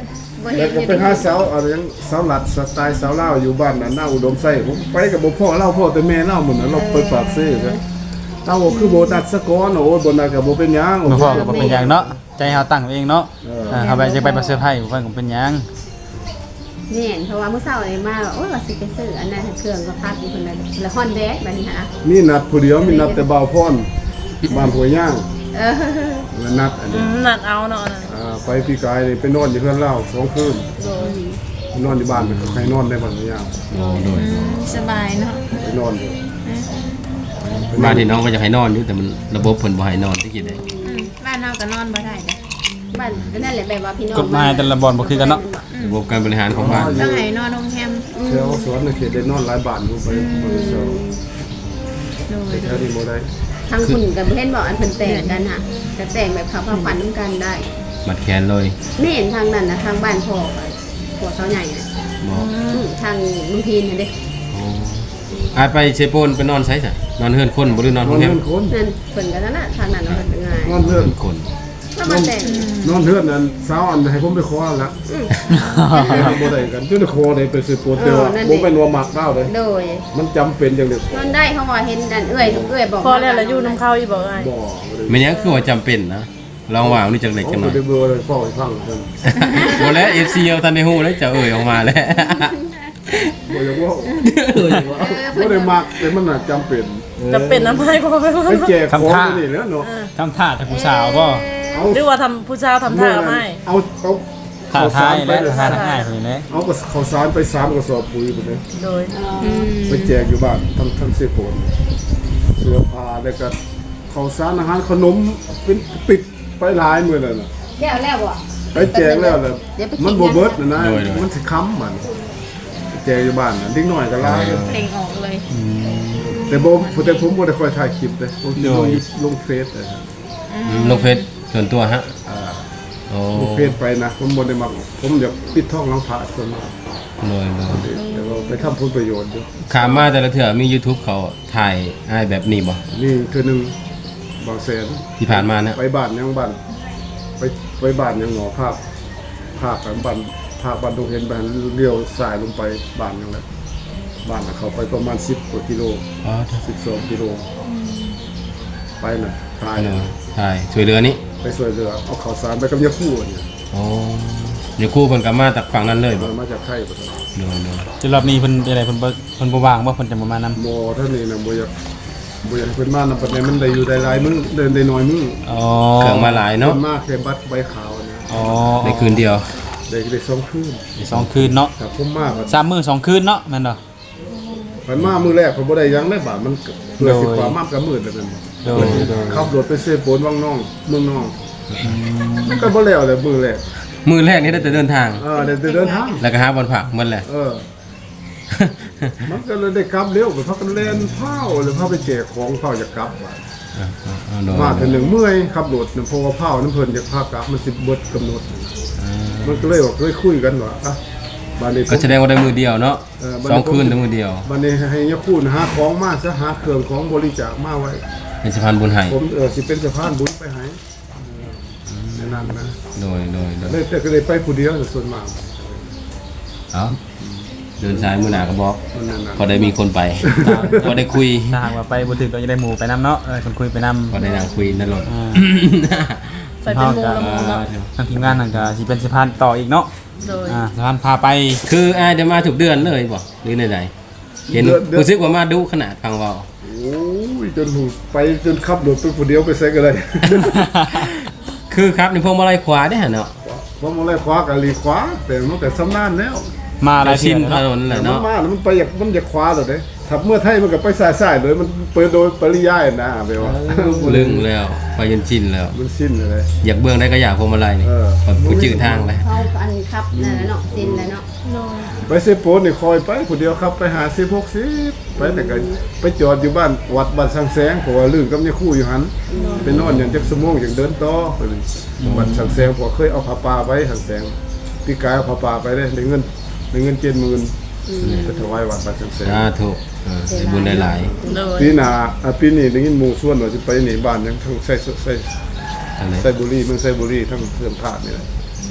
[SPEAKER 3] บ่
[SPEAKER 1] แล้
[SPEAKER 3] เห็
[SPEAKER 1] วน ก็
[SPEAKER 3] อยู่
[SPEAKER 1] ไปหาสาวอะไรยังสาวหลัดสไตล์สาวลาวอยู่บ้านน่ะหน้าอุดมไส้ผมไปกับบ่พ่อเล่าพ่อแต่แม่เล่าหมดน่ะเราเปิดปากซื้อซะเอ้าคือบ่ตัดสะก้อนโอ้ยบ่น่าก็บ่เป็นหยัง
[SPEAKER 2] บ่พอก็บ่เป็นหยังเนาะใจเฮาตั้งเองเนาะ
[SPEAKER 1] เออ
[SPEAKER 2] อ่าเฮาไปจะไปประเสริฐไผบ่เพิ่นก็เป็นหยัง
[SPEAKER 3] นี่เพราะว่าเมื่อเช้านี่มาโอ้ยว่าสิไปซื้ออันนั้นเครื่องก็พัดอยู่คนนั้นละฮอนแดดบัดนี้ฮะ
[SPEAKER 1] มีนัดผู้เดียวมีนัดแต่บ่าวพรบ้านหัวยย่าง
[SPEAKER 3] เออ
[SPEAKER 1] แล้วนัดอัน
[SPEAKER 5] อื
[SPEAKER 1] นี้
[SPEAKER 5] มนัดเอาเนาะนั่น
[SPEAKER 1] อ่าไปพี่กายนี่ไปนอนอยู่เพื่อนเล่าสองคืน
[SPEAKER 5] โดย
[SPEAKER 1] นอนอยู่บ้านใครนอนได้บ้านหัวยย่าง
[SPEAKER 4] โอ้โดย
[SPEAKER 6] สบายเนาะ
[SPEAKER 1] ไปนอนอยู่
[SPEAKER 4] บ้านที่น้องก็จะให้นอนอยู่แต่มันระบบเพิ่นบ่ให้นอนที่กินได้
[SPEAKER 6] อืมบ้านเราก็นอนบ่ได้เด้
[SPEAKER 3] บ้านก็นั่นแหละแบบว่าพี่น้อง
[SPEAKER 2] กฎหมายแต่ละบ่อนบ่คือกันเนาะ
[SPEAKER 4] ระบบการบริหารของบ้าน
[SPEAKER 6] ต้องให้นอนโรงแรม
[SPEAKER 1] แถวสวนในเขตได้นอนหลายบ้านอยู่ไปบริษัท
[SPEAKER 6] โดย
[SPEAKER 1] แถวนี้บ่ได้
[SPEAKER 3] ทางคุณกับเห็นบอกอันเพิ่นแต่งกันค่ะจะแต่งแบบเขาพาฝันน้ำกันได้
[SPEAKER 4] มัดแขนเลย
[SPEAKER 3] ไม่เห็นทางนั้นนะทางบ้านพ่อพ่อเขาใหญ่น่ะ
[SPEAKER 4] บ่
[SPEAKER 3] อืมทางลุงพีนน่ะเด้
[SPEAKER 4] โอ้อายไปเชโปนไปนอนไสจ้ะนอนเฮือนคนบ่หรือนอน
[SPEAKER 1] น
[SPEAKER 4] โร
[SPEAKER 1] อน
[SPEAKER 4] งแร
[SPEAKER 1] เฮื
[SPEAKER 4] ม
[SPEAKER 1] อนคน
[SPEAKER 3] นั่นเพิ่นกันนั่นน่ะทางนั้นเนาะเพิ่นง่าย
[SPEAKER 1] นอนเฮือน
[SPEAKER 4] คน
[SPEAKER 3] แล้วมาแต่ง
[SPEAKER 1] นอนเฮือนนั้นสาวอันให้ผมไปขอละ
[SPEAKER 3] อืม
[SPEAKER 1] บ่ได้กันจนได้ขอได้ไปซื้อโปรเตอร์บ่เป็นว่ามักเล่าเลย
[SPEAKER 3] โดย
[SPEAKER 1] มันจำเป็นอย่างเดียวน
[SPEAKER 3] อนได้เขาว่าเห็นดันเอื้อยทุกเอื้อยบอก
[SPEAKER 5] พอแล้วแล้วอยู่น้ำเข้าอีบอกไง
[SPEAKER 1] บ่
[SPEAKER 4] แม่นยังคือว่าจำเป็นนะลองว่านี่จักเล็ก
[SPEAKER 1] เขา
[SPEAKER 4] จังหน่
[SPEAKER 1] บ่
[SPEAKER 4] อย
[SPEAKER 1] ได้เบื่อเลยพ่อให้ฟังเพิ่น
[SPEAKER 4] บ่แล้ว เอฟ ซี เอาทันได้ฮู้แล้วจะเอ่ยออกมาแล้ว
[SPEAKER 1] บ่อยากว่าบ่ได้มักแต่มันน่ะจำเป็น
[SPEAKER 5] จะเป็นน้ำไม้ก็ไม่รู้
[SPEAKER 1] ไปแจกของนี่แหล้วเนาะ
[SPEAKER 2] ทำท่าแต่ผู้สาวบ่
[SPEAKER 1] เอา
[SPEAKER 5] หรือว่าทำผู้ชายทำท่าไม่
[SPEAKER 1] เอาเอา
[SPEAKER 2] ท่า
[SPEAKER 1] ข้าว
[SPEAKER 2] ทา
[SPEAKER 1] สาย รไป
[SPEAKER 2] และ
[SPEAKER 1] เลย
[SPEAKER 2] ท่าทางง่ายคนนี้เด้
[SPEAKER 1] เอากระข้าวสารไปสามกระสอบปุ๋ยไปเลย
[SPEAKER 5] โดย
[SPEAKER 1] ไปแจกอยู่บ้านทั้งทั้งเสื้อโผนเสื้อผ้าแล้วก็ข้าวสารอาหารขนมเป็นปิดไปหลายมื้อแล้วน่ะ
[SPEAKER 3] แล้วแล้วบ่
[SPEAKER 1] ไปแจกแล้วน่ะ
[SPEAKER 3] เดี๋ยวไปกิน
[SPEAKER 1] มันบ่เบิดน่ะนะ
[SPEAKER 4] โดยโดย
[SPEAKER 1] มันสิค้ำมันไปแจกอยู่บ้านน่ะเด็กน้อยก็หลาย
[SPEAKER 6] เพลงออกเลย
[SPEAKER 1] แต่บ่แต่ผมบ่ได้ค่อยถ่ายคลิปเด้ผมสิลงลงเฟซเด้
[SPEAKER 4] อืมลงเฟซส่วนตัวฮะ
[SPEAKER 1] อ่า
[SPEAKER 4] โอ้
[SPEAKER 1] ลงเฟซไปนะผมบ่ได้มักผมอยากปิดท้องหลังพระส่วนมาก
[SPEAKER 4] โดยโดย
[SPEAKER 1] แต่ว่าไปทำผลประโยชน์อยู่
[SPEAKER 4] ขามมาแต่ละเทื่อมี YouTube เขาถ่ายอ้ายแบบนี้บ่
[SPEAKER 1] นี่คือหนึงบางแสน
[SPEAKER 4] ที่ผ่านมาเนี่ย
[SPEAKER 1] ไปบ้านยังบ้านไปไปบ้านยังหงอภาพภาพกันบ้านภาพบ้านตรงเห็นบ้านเลี้ยวสายลงไปบ้านยังไงบ้านน่ะเขาไปประมาณสิบกว่ากิโล
[SPEAKER 4] อ๋อ
[SPEAKER 1] สิบสองกิโลไปน่ะตาย
[SPEAKER 4] เอ
[SPEAKER 1] น่ะ
[SPEAKER 4] อถ่ายช่วยเหลือนี้
[SPEAKER 1] ไปสวยเรือเอาข้าวสารไปกับยาคู่เนี่ย
[SPEAKER 4] โอ้เดี๋ยวครู่เพิ่นก็มาจากฝั่งนั้นเลยบ่
[SPEAKER 1] มันมาจากไข่ปะ
[SPEAKER 4] โดยโดย
[SPEAKER 2] จุดรอบนี้เพิ่นเป็นอะไรเพิ่นบ่เพิ่นบ่ว่างบ่เพิ่นจะบ่มานำ
[SPEAKER 1] โมท่านนี่นะโมอยากโมอยากเป็นมานำปัจจัยมันได้อยู่ได้หลายมื้อเดินได้น้อยมื้อ
[SPEAKER 2] อ๋อ
[SPEAKER 4] เครื่องมาหลาย
[SPEAKER 1] เนาะ
[SPEAKER 4] เนาะ
[SPEAKER 1] มากแค่บัตรใบขาวเนี่ย
[SPEAKER 2] อ๋อ
[SPEAKER 4] ในคืนเดียว
[SPEAKER 1] ได้ได้สองคืน
[SPEAKER 2] สองคืนเนาะ
[SPEAKER 1] แต่ผมมากอะ
[SPEAKER 2] สามมื้อสองคืนเนาะแม่นบ่
[SPEAKER 1] มันมามื้อแรกผมบ่ได้หยังได้บาทมันเพื่อสิ
[SPEAKER 2] โดย
[SPEAKER 1] ความมากกับมื้อแล้วนั่น
[SPEAKER 2] โดยโดย
[SPEAKER 1] ขับรถไปเซโปนวังน้องเมืองน้องมันก็บ่แล้วเลยมื้อแรก
[SPEAKER 4] มื้อแรกนี่ได้แต่เดินทาง
[SPEAKER 1] เออได้แต่เดินทาง
[SPEAKER 4] แล้วก็หาบอนผักหมันแหละ
[SPEAKER 1] เออ มันก็เลยได้กลับเร็วไปพักกันเล่นเผาหรือพาไปแจกของเผาจะกลับว่ะ
[SPEAKER 4] อ่าอ่าอ่าโดย
[SPEAKER 1] มาถึงหนึ่งเมื่อยขับรถเนี่ยเพราะว่าเผาน้ำเพลินจะพากลับมันสิบเบิดกำหนด
[SPEAKER 4] อ่า
[SPEAKER 1] มันก็เลยว่าเคยคุยกันว่าอ่ะบานนี้ผม
[SPEAKER 4] ก็แสดงว่าได้มือเดียวเนาะ
[SPEAKER 1] เออ
[SPEAKER 4] สองคืนได้มือเดียว
[SPEAKER 1] บานนี้ให้ยาคูณหาของมาซะหาเครื่องของบริจาคมาไว้
[SPEAKER 4] เป็นสะพานบุญให้
[SPEAKER 1] ผมเออสิเป็นสะพานบุญไปให้เออในนั้นนะ
[SPEAKER 4] โดยโดยโดย
[SPEAKER 1] เลยแต่ก็เลยไปผู้เดียวส่วนมาก
[SPEAKER 4] เอาเดินสายมือหนาก็บอก
[SPEAKER 1] มันนั่นน่ะ
[SPEAKER 4] พอได้มีคนไปพอได้คุย
[SPEAKER 2] ถ้าหากว่าไปบ่ถึงก็จะได้หมู่ไปนํเนาะเออคนคุยไปนำ
[SPEAKER 4] พอได้นั่งคุยนั่นรถ
[SPEAKER 2] อ่า
[SPEAKER 5] ไปเป็นหมูละหมูเนาะ
[SPEAKER 2] ทางทีมงานนั่นก็สิเป็นสะพานต่ออีกเนาะ
[SPEAKER 5] โดย
[SPEAKER 2] อ่าสะพานพาไป
[SPEAKER 4] คืออายเดี๋ยวมาถูกเดือนเลยบ่หรือไหนๆเห็นรู้สึกว่ามาดูขนาดฟังเว่า
[SPEAKER 1] โอ้ยจนหูไปจนขับรถไปผู้เดียวไปใส่ก็ได้
[SPEAKER 4] คือครับในพวงมาลัยขวาได้อเนาะ
[SPEAKER 1] เพราะมันอะไรขวากับลีขวาแต่มันแต่สำนานแล้ว
[SPEAKER 2] มาหลาย
[SPEAKER 4] ชิ
[SPEAKER 2] เที่ย
[SPEAKER 4] น
[SPEAKER 2] ว
[SPEAKER 4] ถ
[SPEAKER 2] เนาะ
[SPEAKER 4] นนแหละ
[SPEAKER 1] มัน
[SPEAKER 4] เนาะ
[SPEAKER 1] มาแล้วมันไปอยากมันอยากขวาเลยเด้ถ้าเมื่อไทยมันก็ไปสายสายๆเลยมันเปิดโดยปริยายนะไปว่า
[SPEAKER 4] ลึงแล้วไปจนชินแล้ว
[SPEAKER 1] มันสิ้นเลย
[SPEAKER 4] อยากเบื้องได้ก็อยากพวงมาลัยนี่
[SPEAKER 1] เออ
[SPEAKER 4] พอผู้จืดทางเลย
[SPEAKER 3] เขาอันครับนั่นแหละเนาะซินแล้วเนาะ
[SPEAKER 5] โดย
[SPEAKER 1] ไปเซโปนนี่คอยไปคนเดียวครับไปหาสิบหกสิบไปแต่ก็ไปจอดอยู่บ้านวัดบ้านสังแสงเพราะว่าลื่นกับเนี่ยคู่อยู่หันไปนอนอย่างจักสมงอย่างเดินต่อไปเลยวัดสังแสงเพอเคยเอาผ้าป่าไปสังแสงพี่กายเอาผ้าป่าไปได้ได้เงินได้เงินเจ็ดหมื่นไปถวายวัดบ้านสังแสง
[SPEAKER 4] สาธุเออได้บุญได้หลาย
[SPEAKER 5] โดย
[SPEAKER 1] ปีหน้าอ่ะปีนี้ได้ยินหมู่ส่วนว่าจะไปหนีบ้านยังทั้งใส่ใส่
[SPEAKER 4] อันไหน
[SPEAKER 1] ใส่บุรีเมืองใส่บุรีทั้งเพื่อนพาดนี่แหละ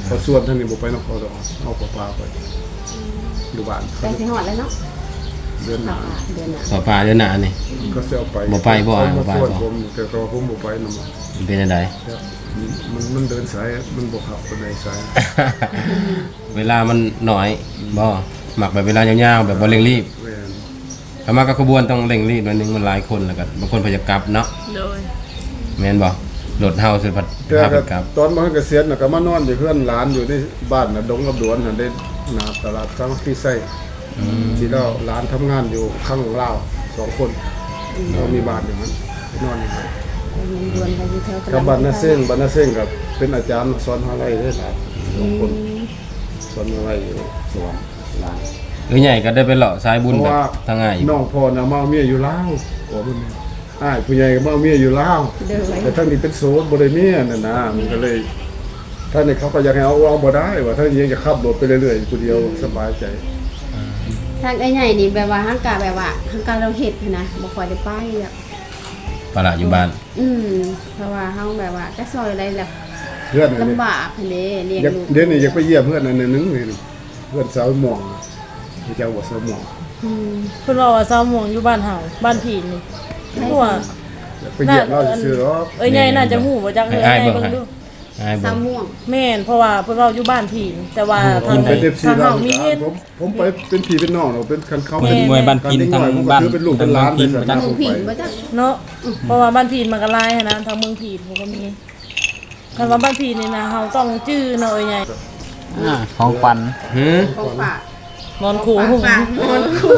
[SPEAKER 1] พอส่วนท่านนี่บ่ไปนครดอกเอาปลาปลาไปอยู่บ้าน
[SPEAKER 3] แต่สิฮอดแล้วเนาะ
[SPEAKER 1] เดือนหน้า
[SPEAKER 3] เดือนหน้า
[SPEAKER 4] ขอปลาเดือนหน้านี่
[SPEAKER 1] ก็สิเอาไป
[SPEAKER 4] บ่ไปบ่อ่ะบ่ไปบ่
[SPEAKER 1] ส่วนผมแต่ก็ผมบ่ไปนำ
[SPEAKER 4] มันเป็นจังได
[SPEAKER 1] มันมันเดินสายมันบ่ขับปานใดสาย
[SPEAKER 4] เวลามันน้อยบ่หมักแบบเวลายาวๆแบบบ่เร่งรีบ
[SPEAKER 1] แม่น
[SPEAKER 4] ถ้ามากับขบวนต้องเร่งรีบหน่อยนึงมันหลายคนแล้วก็บางคนพยายามกลับเนาะ
[SPEAKER 5] โดย
[SPEAKER 4] แม่นบ่รถเฮาสิพัด
[SPEAKER 1] แต่
[SPEAKER 4] พาไป
[SPEAKER 1] ก็
[SPEAKER 4] กลับ
[SPEAKER 1] ตอนมาเกษียณน่ะก็มานอนอยู่เพื่อนหลานอยู่ในบ้านน่ะดงกับดวนน่ะได้หน้าตลาดสามัคคีไส้ที่เราหลานทำงานอยู่ข้างลาวสองคนเรามีบ้านอย่างนั้นไปนอนอยู่นั้น
[SPEAKER 3] ดวนไปอยู่แถว
[SPEAKER 1] กับบ้านนาเซ้งบ้านนาเซ้งกับเป็นอาจารย์สอนอะไรได้หลายสองคนสอนอะไรอยู่สวรรค์หลาน
[SPEAKER 4] หรือใหญ่ก็ได้ไปเลาะสายบุญ
[SPEAKER 1] เพราะ
[SPEAKER 4] แบบ
[SPEAKER 1] ว่า
[SPEAKER 4] ทางง่ายอีก
[SPEAKER 1] น้องพ่อน่ะมาเอาเมียอยู่ลาวขอมันอ้ายผู้ใหญ่ก็มาเอาเมียอยู่ลาว
[SPEAKER 3] เดินไป
[SPEAKER 1] แต่ท่านนี่เป็นโสดบ่ได้เมียนั่นนะมันก็เลยท่านนี่เขาก็อยากให้เอาเอาบ่ได้ว่าท่านยังจะขับรถไปเรื่อยๆผู้เดียวสบายใจ
[SPEAKER 3] ทางไอ้ใหญ่นี่แบบว่าห้างกาแบบว่าห้างกาเราเฮ็ดนะบ่ค่อยได้ไปอ่ะ
[SPEAKER 4] ปลาละอยู่บ้าน
[SPEAKER 3] อืมเพราะว่าเฮาแบบว่าจะซอยอะไรแบบ
[SPEAKER 1] เพื่อนอันนี้
[SPEAKER 3] ลำบากหั่นเด้เลี้ยง
[SPEAKER 1] อยาก
[SPEAKER 3] ลูก
[SPEAKER 1] เดี๋ยวนี้อยากไปเยี่ยมเพื่อนอันนึงนี่เพื่อนสาวหม่องที่เจ้าว่าสาวหม่อง
[SPEAKER 3] อืม
[SPEAKER 5] เพิ่นว่าว่าซาวหม่วงอยู่บ้านเฮาบ้านผีนี่เพราะว่า
[SPEAKER 1] อยากไปเยี่ยมเราซื่อๆหรอก
[SPEAKER 5] เอ้ยใหญ่น่าจะฮู้บ่จักเอ้ย
[SPEAKER 4] อ้าย
[SPEAKER 5] ใหญ่
[SPEAKER 4] เบิ่ง
[SPEAKER 5] เบิ่ง
[SPEAKER 4] ให้
[SPEAKER 5] ดู
[SPEAKER 4] อ้ายเบิ่
[SPEAKER 3] สาง วม่วง
[SPEAKER 5] แม่นเพราะว่าเพิ่นเว้าอยู่บ้านผีแต่ว่าทาง
[SPEAKER 1] เป็น เอฟซี
[SPEAKER 5] ทาง
[SPEAKER 1] เรา
[SPEAKER 5] เฮามีเฮ็ด
[SPEAKER 1] ผมผมไปเป็นพี่เป็นน้องเราเป็นคันเขา
[SPEAKER 2] เป็นมวยบ้านพินทางบ้าน
[SPEAKER 1] เป็นลูกเป็นหลานเป็นสัน
[SPEAKER 3] ทาง
[SPEAKER 1] ผ
[SPEAKER 3] ลู
[SPEAKER 1] ม
[SPEAKER 3] กผิง
[SPEAKER 1] ไป
[SPEAKER 3] บ่จัก
[SPEAKER 5] เนาะเพราะว่าบ้านผีมันก็หลายหันนะทางเมืองผีผมก็มีถ้าว่าบ้านผีนี่นะเฮาต้องจื้อเนาะเอ้ยใหญ่
[SPEAKER 2] อ่าของขวัญ
[SPEAKER 4] หือ
[SPEAKER 3] ของฝาก
[SPEAKER 5] นอนขู่
[SPEAKER 3] ฝากนอนคู่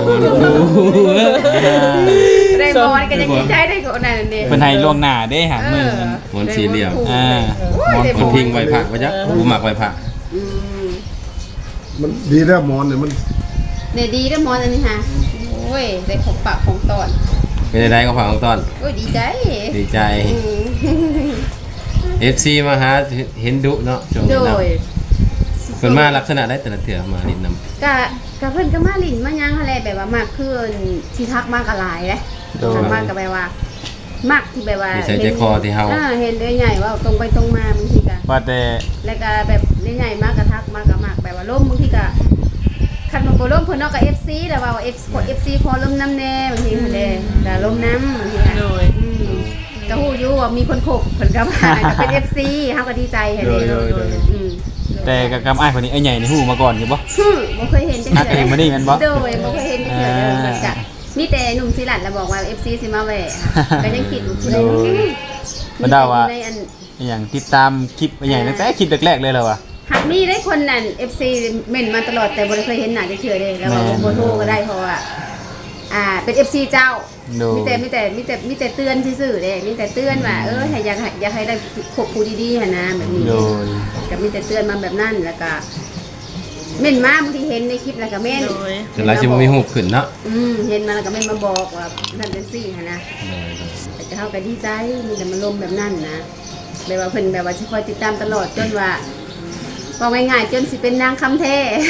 [SPEAKER 3] ได้บ่นี่ก็ยังดีใจได้ก็นั่นนี่
[SPEAKER 2] เพิ่นให้ล่วงหน้าเด้หางมือมัน
[SPEAKER 4] หมอนสี่เหลี่ยม
[SPEAKER 2] อ่า
[SPEAKER 4] คนพิงไว้พระไว้จักผู้หมักไว้พระ
[SPEAKER 3] อืม
[SPEAKER 1] มันดีแล้วหมอนเนี่ยมัน
[SPEAKER 3] เนี่ยดีเด้อหมอนอันนี้ฮะโอ้ยได้ของฝากของตอน
[SPEAKER 4] เป็นได้ก็ฝากของต้อน
[SPEAKER 3] โอ้ยดีใจ
[SPEAKER 4] ดีใจ
[SPEAKER 3] อืม
[SPEAKER 4] เอฟ ซี มาหาเห็นดุเนาะช่วง
[SPEAKER 3] โด
[SPEAKER 4] นี้เนาะ
[SPEAKER 3] ย
[SPEAKER 4] เพิ่นมาลักษณะได้แต่ละเถื่อมาดินนำ
[SPEAKER 3] กะกะเพิ่นก็มาลิ้นมาหยังอะไรแบบว่ามากขึ้นที่ทักมากกะหลายเด้
[SPEAKER 2] โดย
[SPEAKER 3] ทักมากก็แบบว่า มักที่แบบว่า
[SPEAKER 4] นิสัยใจคอที่เฮา
[SPEAKER 3] อ่เห็นเลยใหญ่ว่าตรงไปตรงมาบางทีก็
[SPEAKER 2] ว่าแต่
[SPEAKER 3] แล้วก็แบบใหญ่ๆมากกะทักมากกะมากแบบว่าล่มบางทีก็คันมันบ่ล่มเพิ่นเนาะก็ เอฟ ซี แล้วว่า F กด เอฟ ซี พอล่มน้ำแน่บางทีหั่นเด้ก็ล่มน้ำบางทีก็
[SPEAKER 5] โดย
[SPEAKER 3] อืมก็ฮู้อยู่ว่ามีคนโขกเพิ่นก็มาก็เป็น เอฟ ซี เฮาก็ดีใจหั่นเด้
[SPEAKER 2] โดยโดย
[SPEAKER 3] อืม
[SPEAKER 2] แต่กับกำอ้ายคนนี้ไอ้ใหญ่นี่ฮู้มาก่อนอยู่บ่
[SPEAKER 3] ฮึบ่เคยเห็นจัง
[SPEAKER 2] นักเองมานี่แม่นบ่
[SPEAKER 3] โดยบ่เคยเห็นจังเทื่อเด้อมันก็มีแต่หนุ่มศิลัดแล้วบอกว่า เอฟ ซี สิมาแหวะก็ยังคิดอยู่ผู้ใดเนาะ
[SPEAKER 2] มันเดาว่า
[SPEAKER 3] ในอัน
[SPEAKER 2] อหย่างติดตามคลิปไอ้ใหญ่ตั้งแต่คลิปแรกๆเลยเหรอวะ
[SPEAKER 3] หากมีได้คนนั้น เอฟ ซี เม่นมาตลอดแต่บ่ได้เคยเห็นหน้าจังเทื่อเด้แล้วว่า
[SPEAKER 2] แม่น
[SPEAKER 3] บ่โทรก็ได้เพราะว่าอ่าเป็น เอฟ ซี เจ้า
[SPEAKER 2] โดย
[SPEAKER 3] มีแต่มีแต่มีแต่มีแต่เตือนซื่อๆเด้มีแต่เตือนว่าเออให้อยากให้อยากให้ได้พบผู้ดีๆหั่นนะแบบนี้
[SPEAKER 2] โดย
[SPEAKER 3] ก็มีแต่เตือนมาแบบนั้นแล้วก็เม่นมาบางทีเห็นในคลิปแล้วก็เม่น
[SPEAKER 5] โดย
[SPEAKER 4] แต่หลายสิบ่มีฮูบขึ้นเนาะ
[SPEAKER 3] อืมเห็นมาแล้วก็เม่นมาบอกว่านั่นเป็นซี่หั่นนะแต่จะเฮาก็ดีใจมีแต่มันลมแบบนั้นนะแบบว่าเพิ่นแบบว่าสิคอยติดตามตลอดจนว่าว่าง่ายๆจนสิเป็นนางคำแท้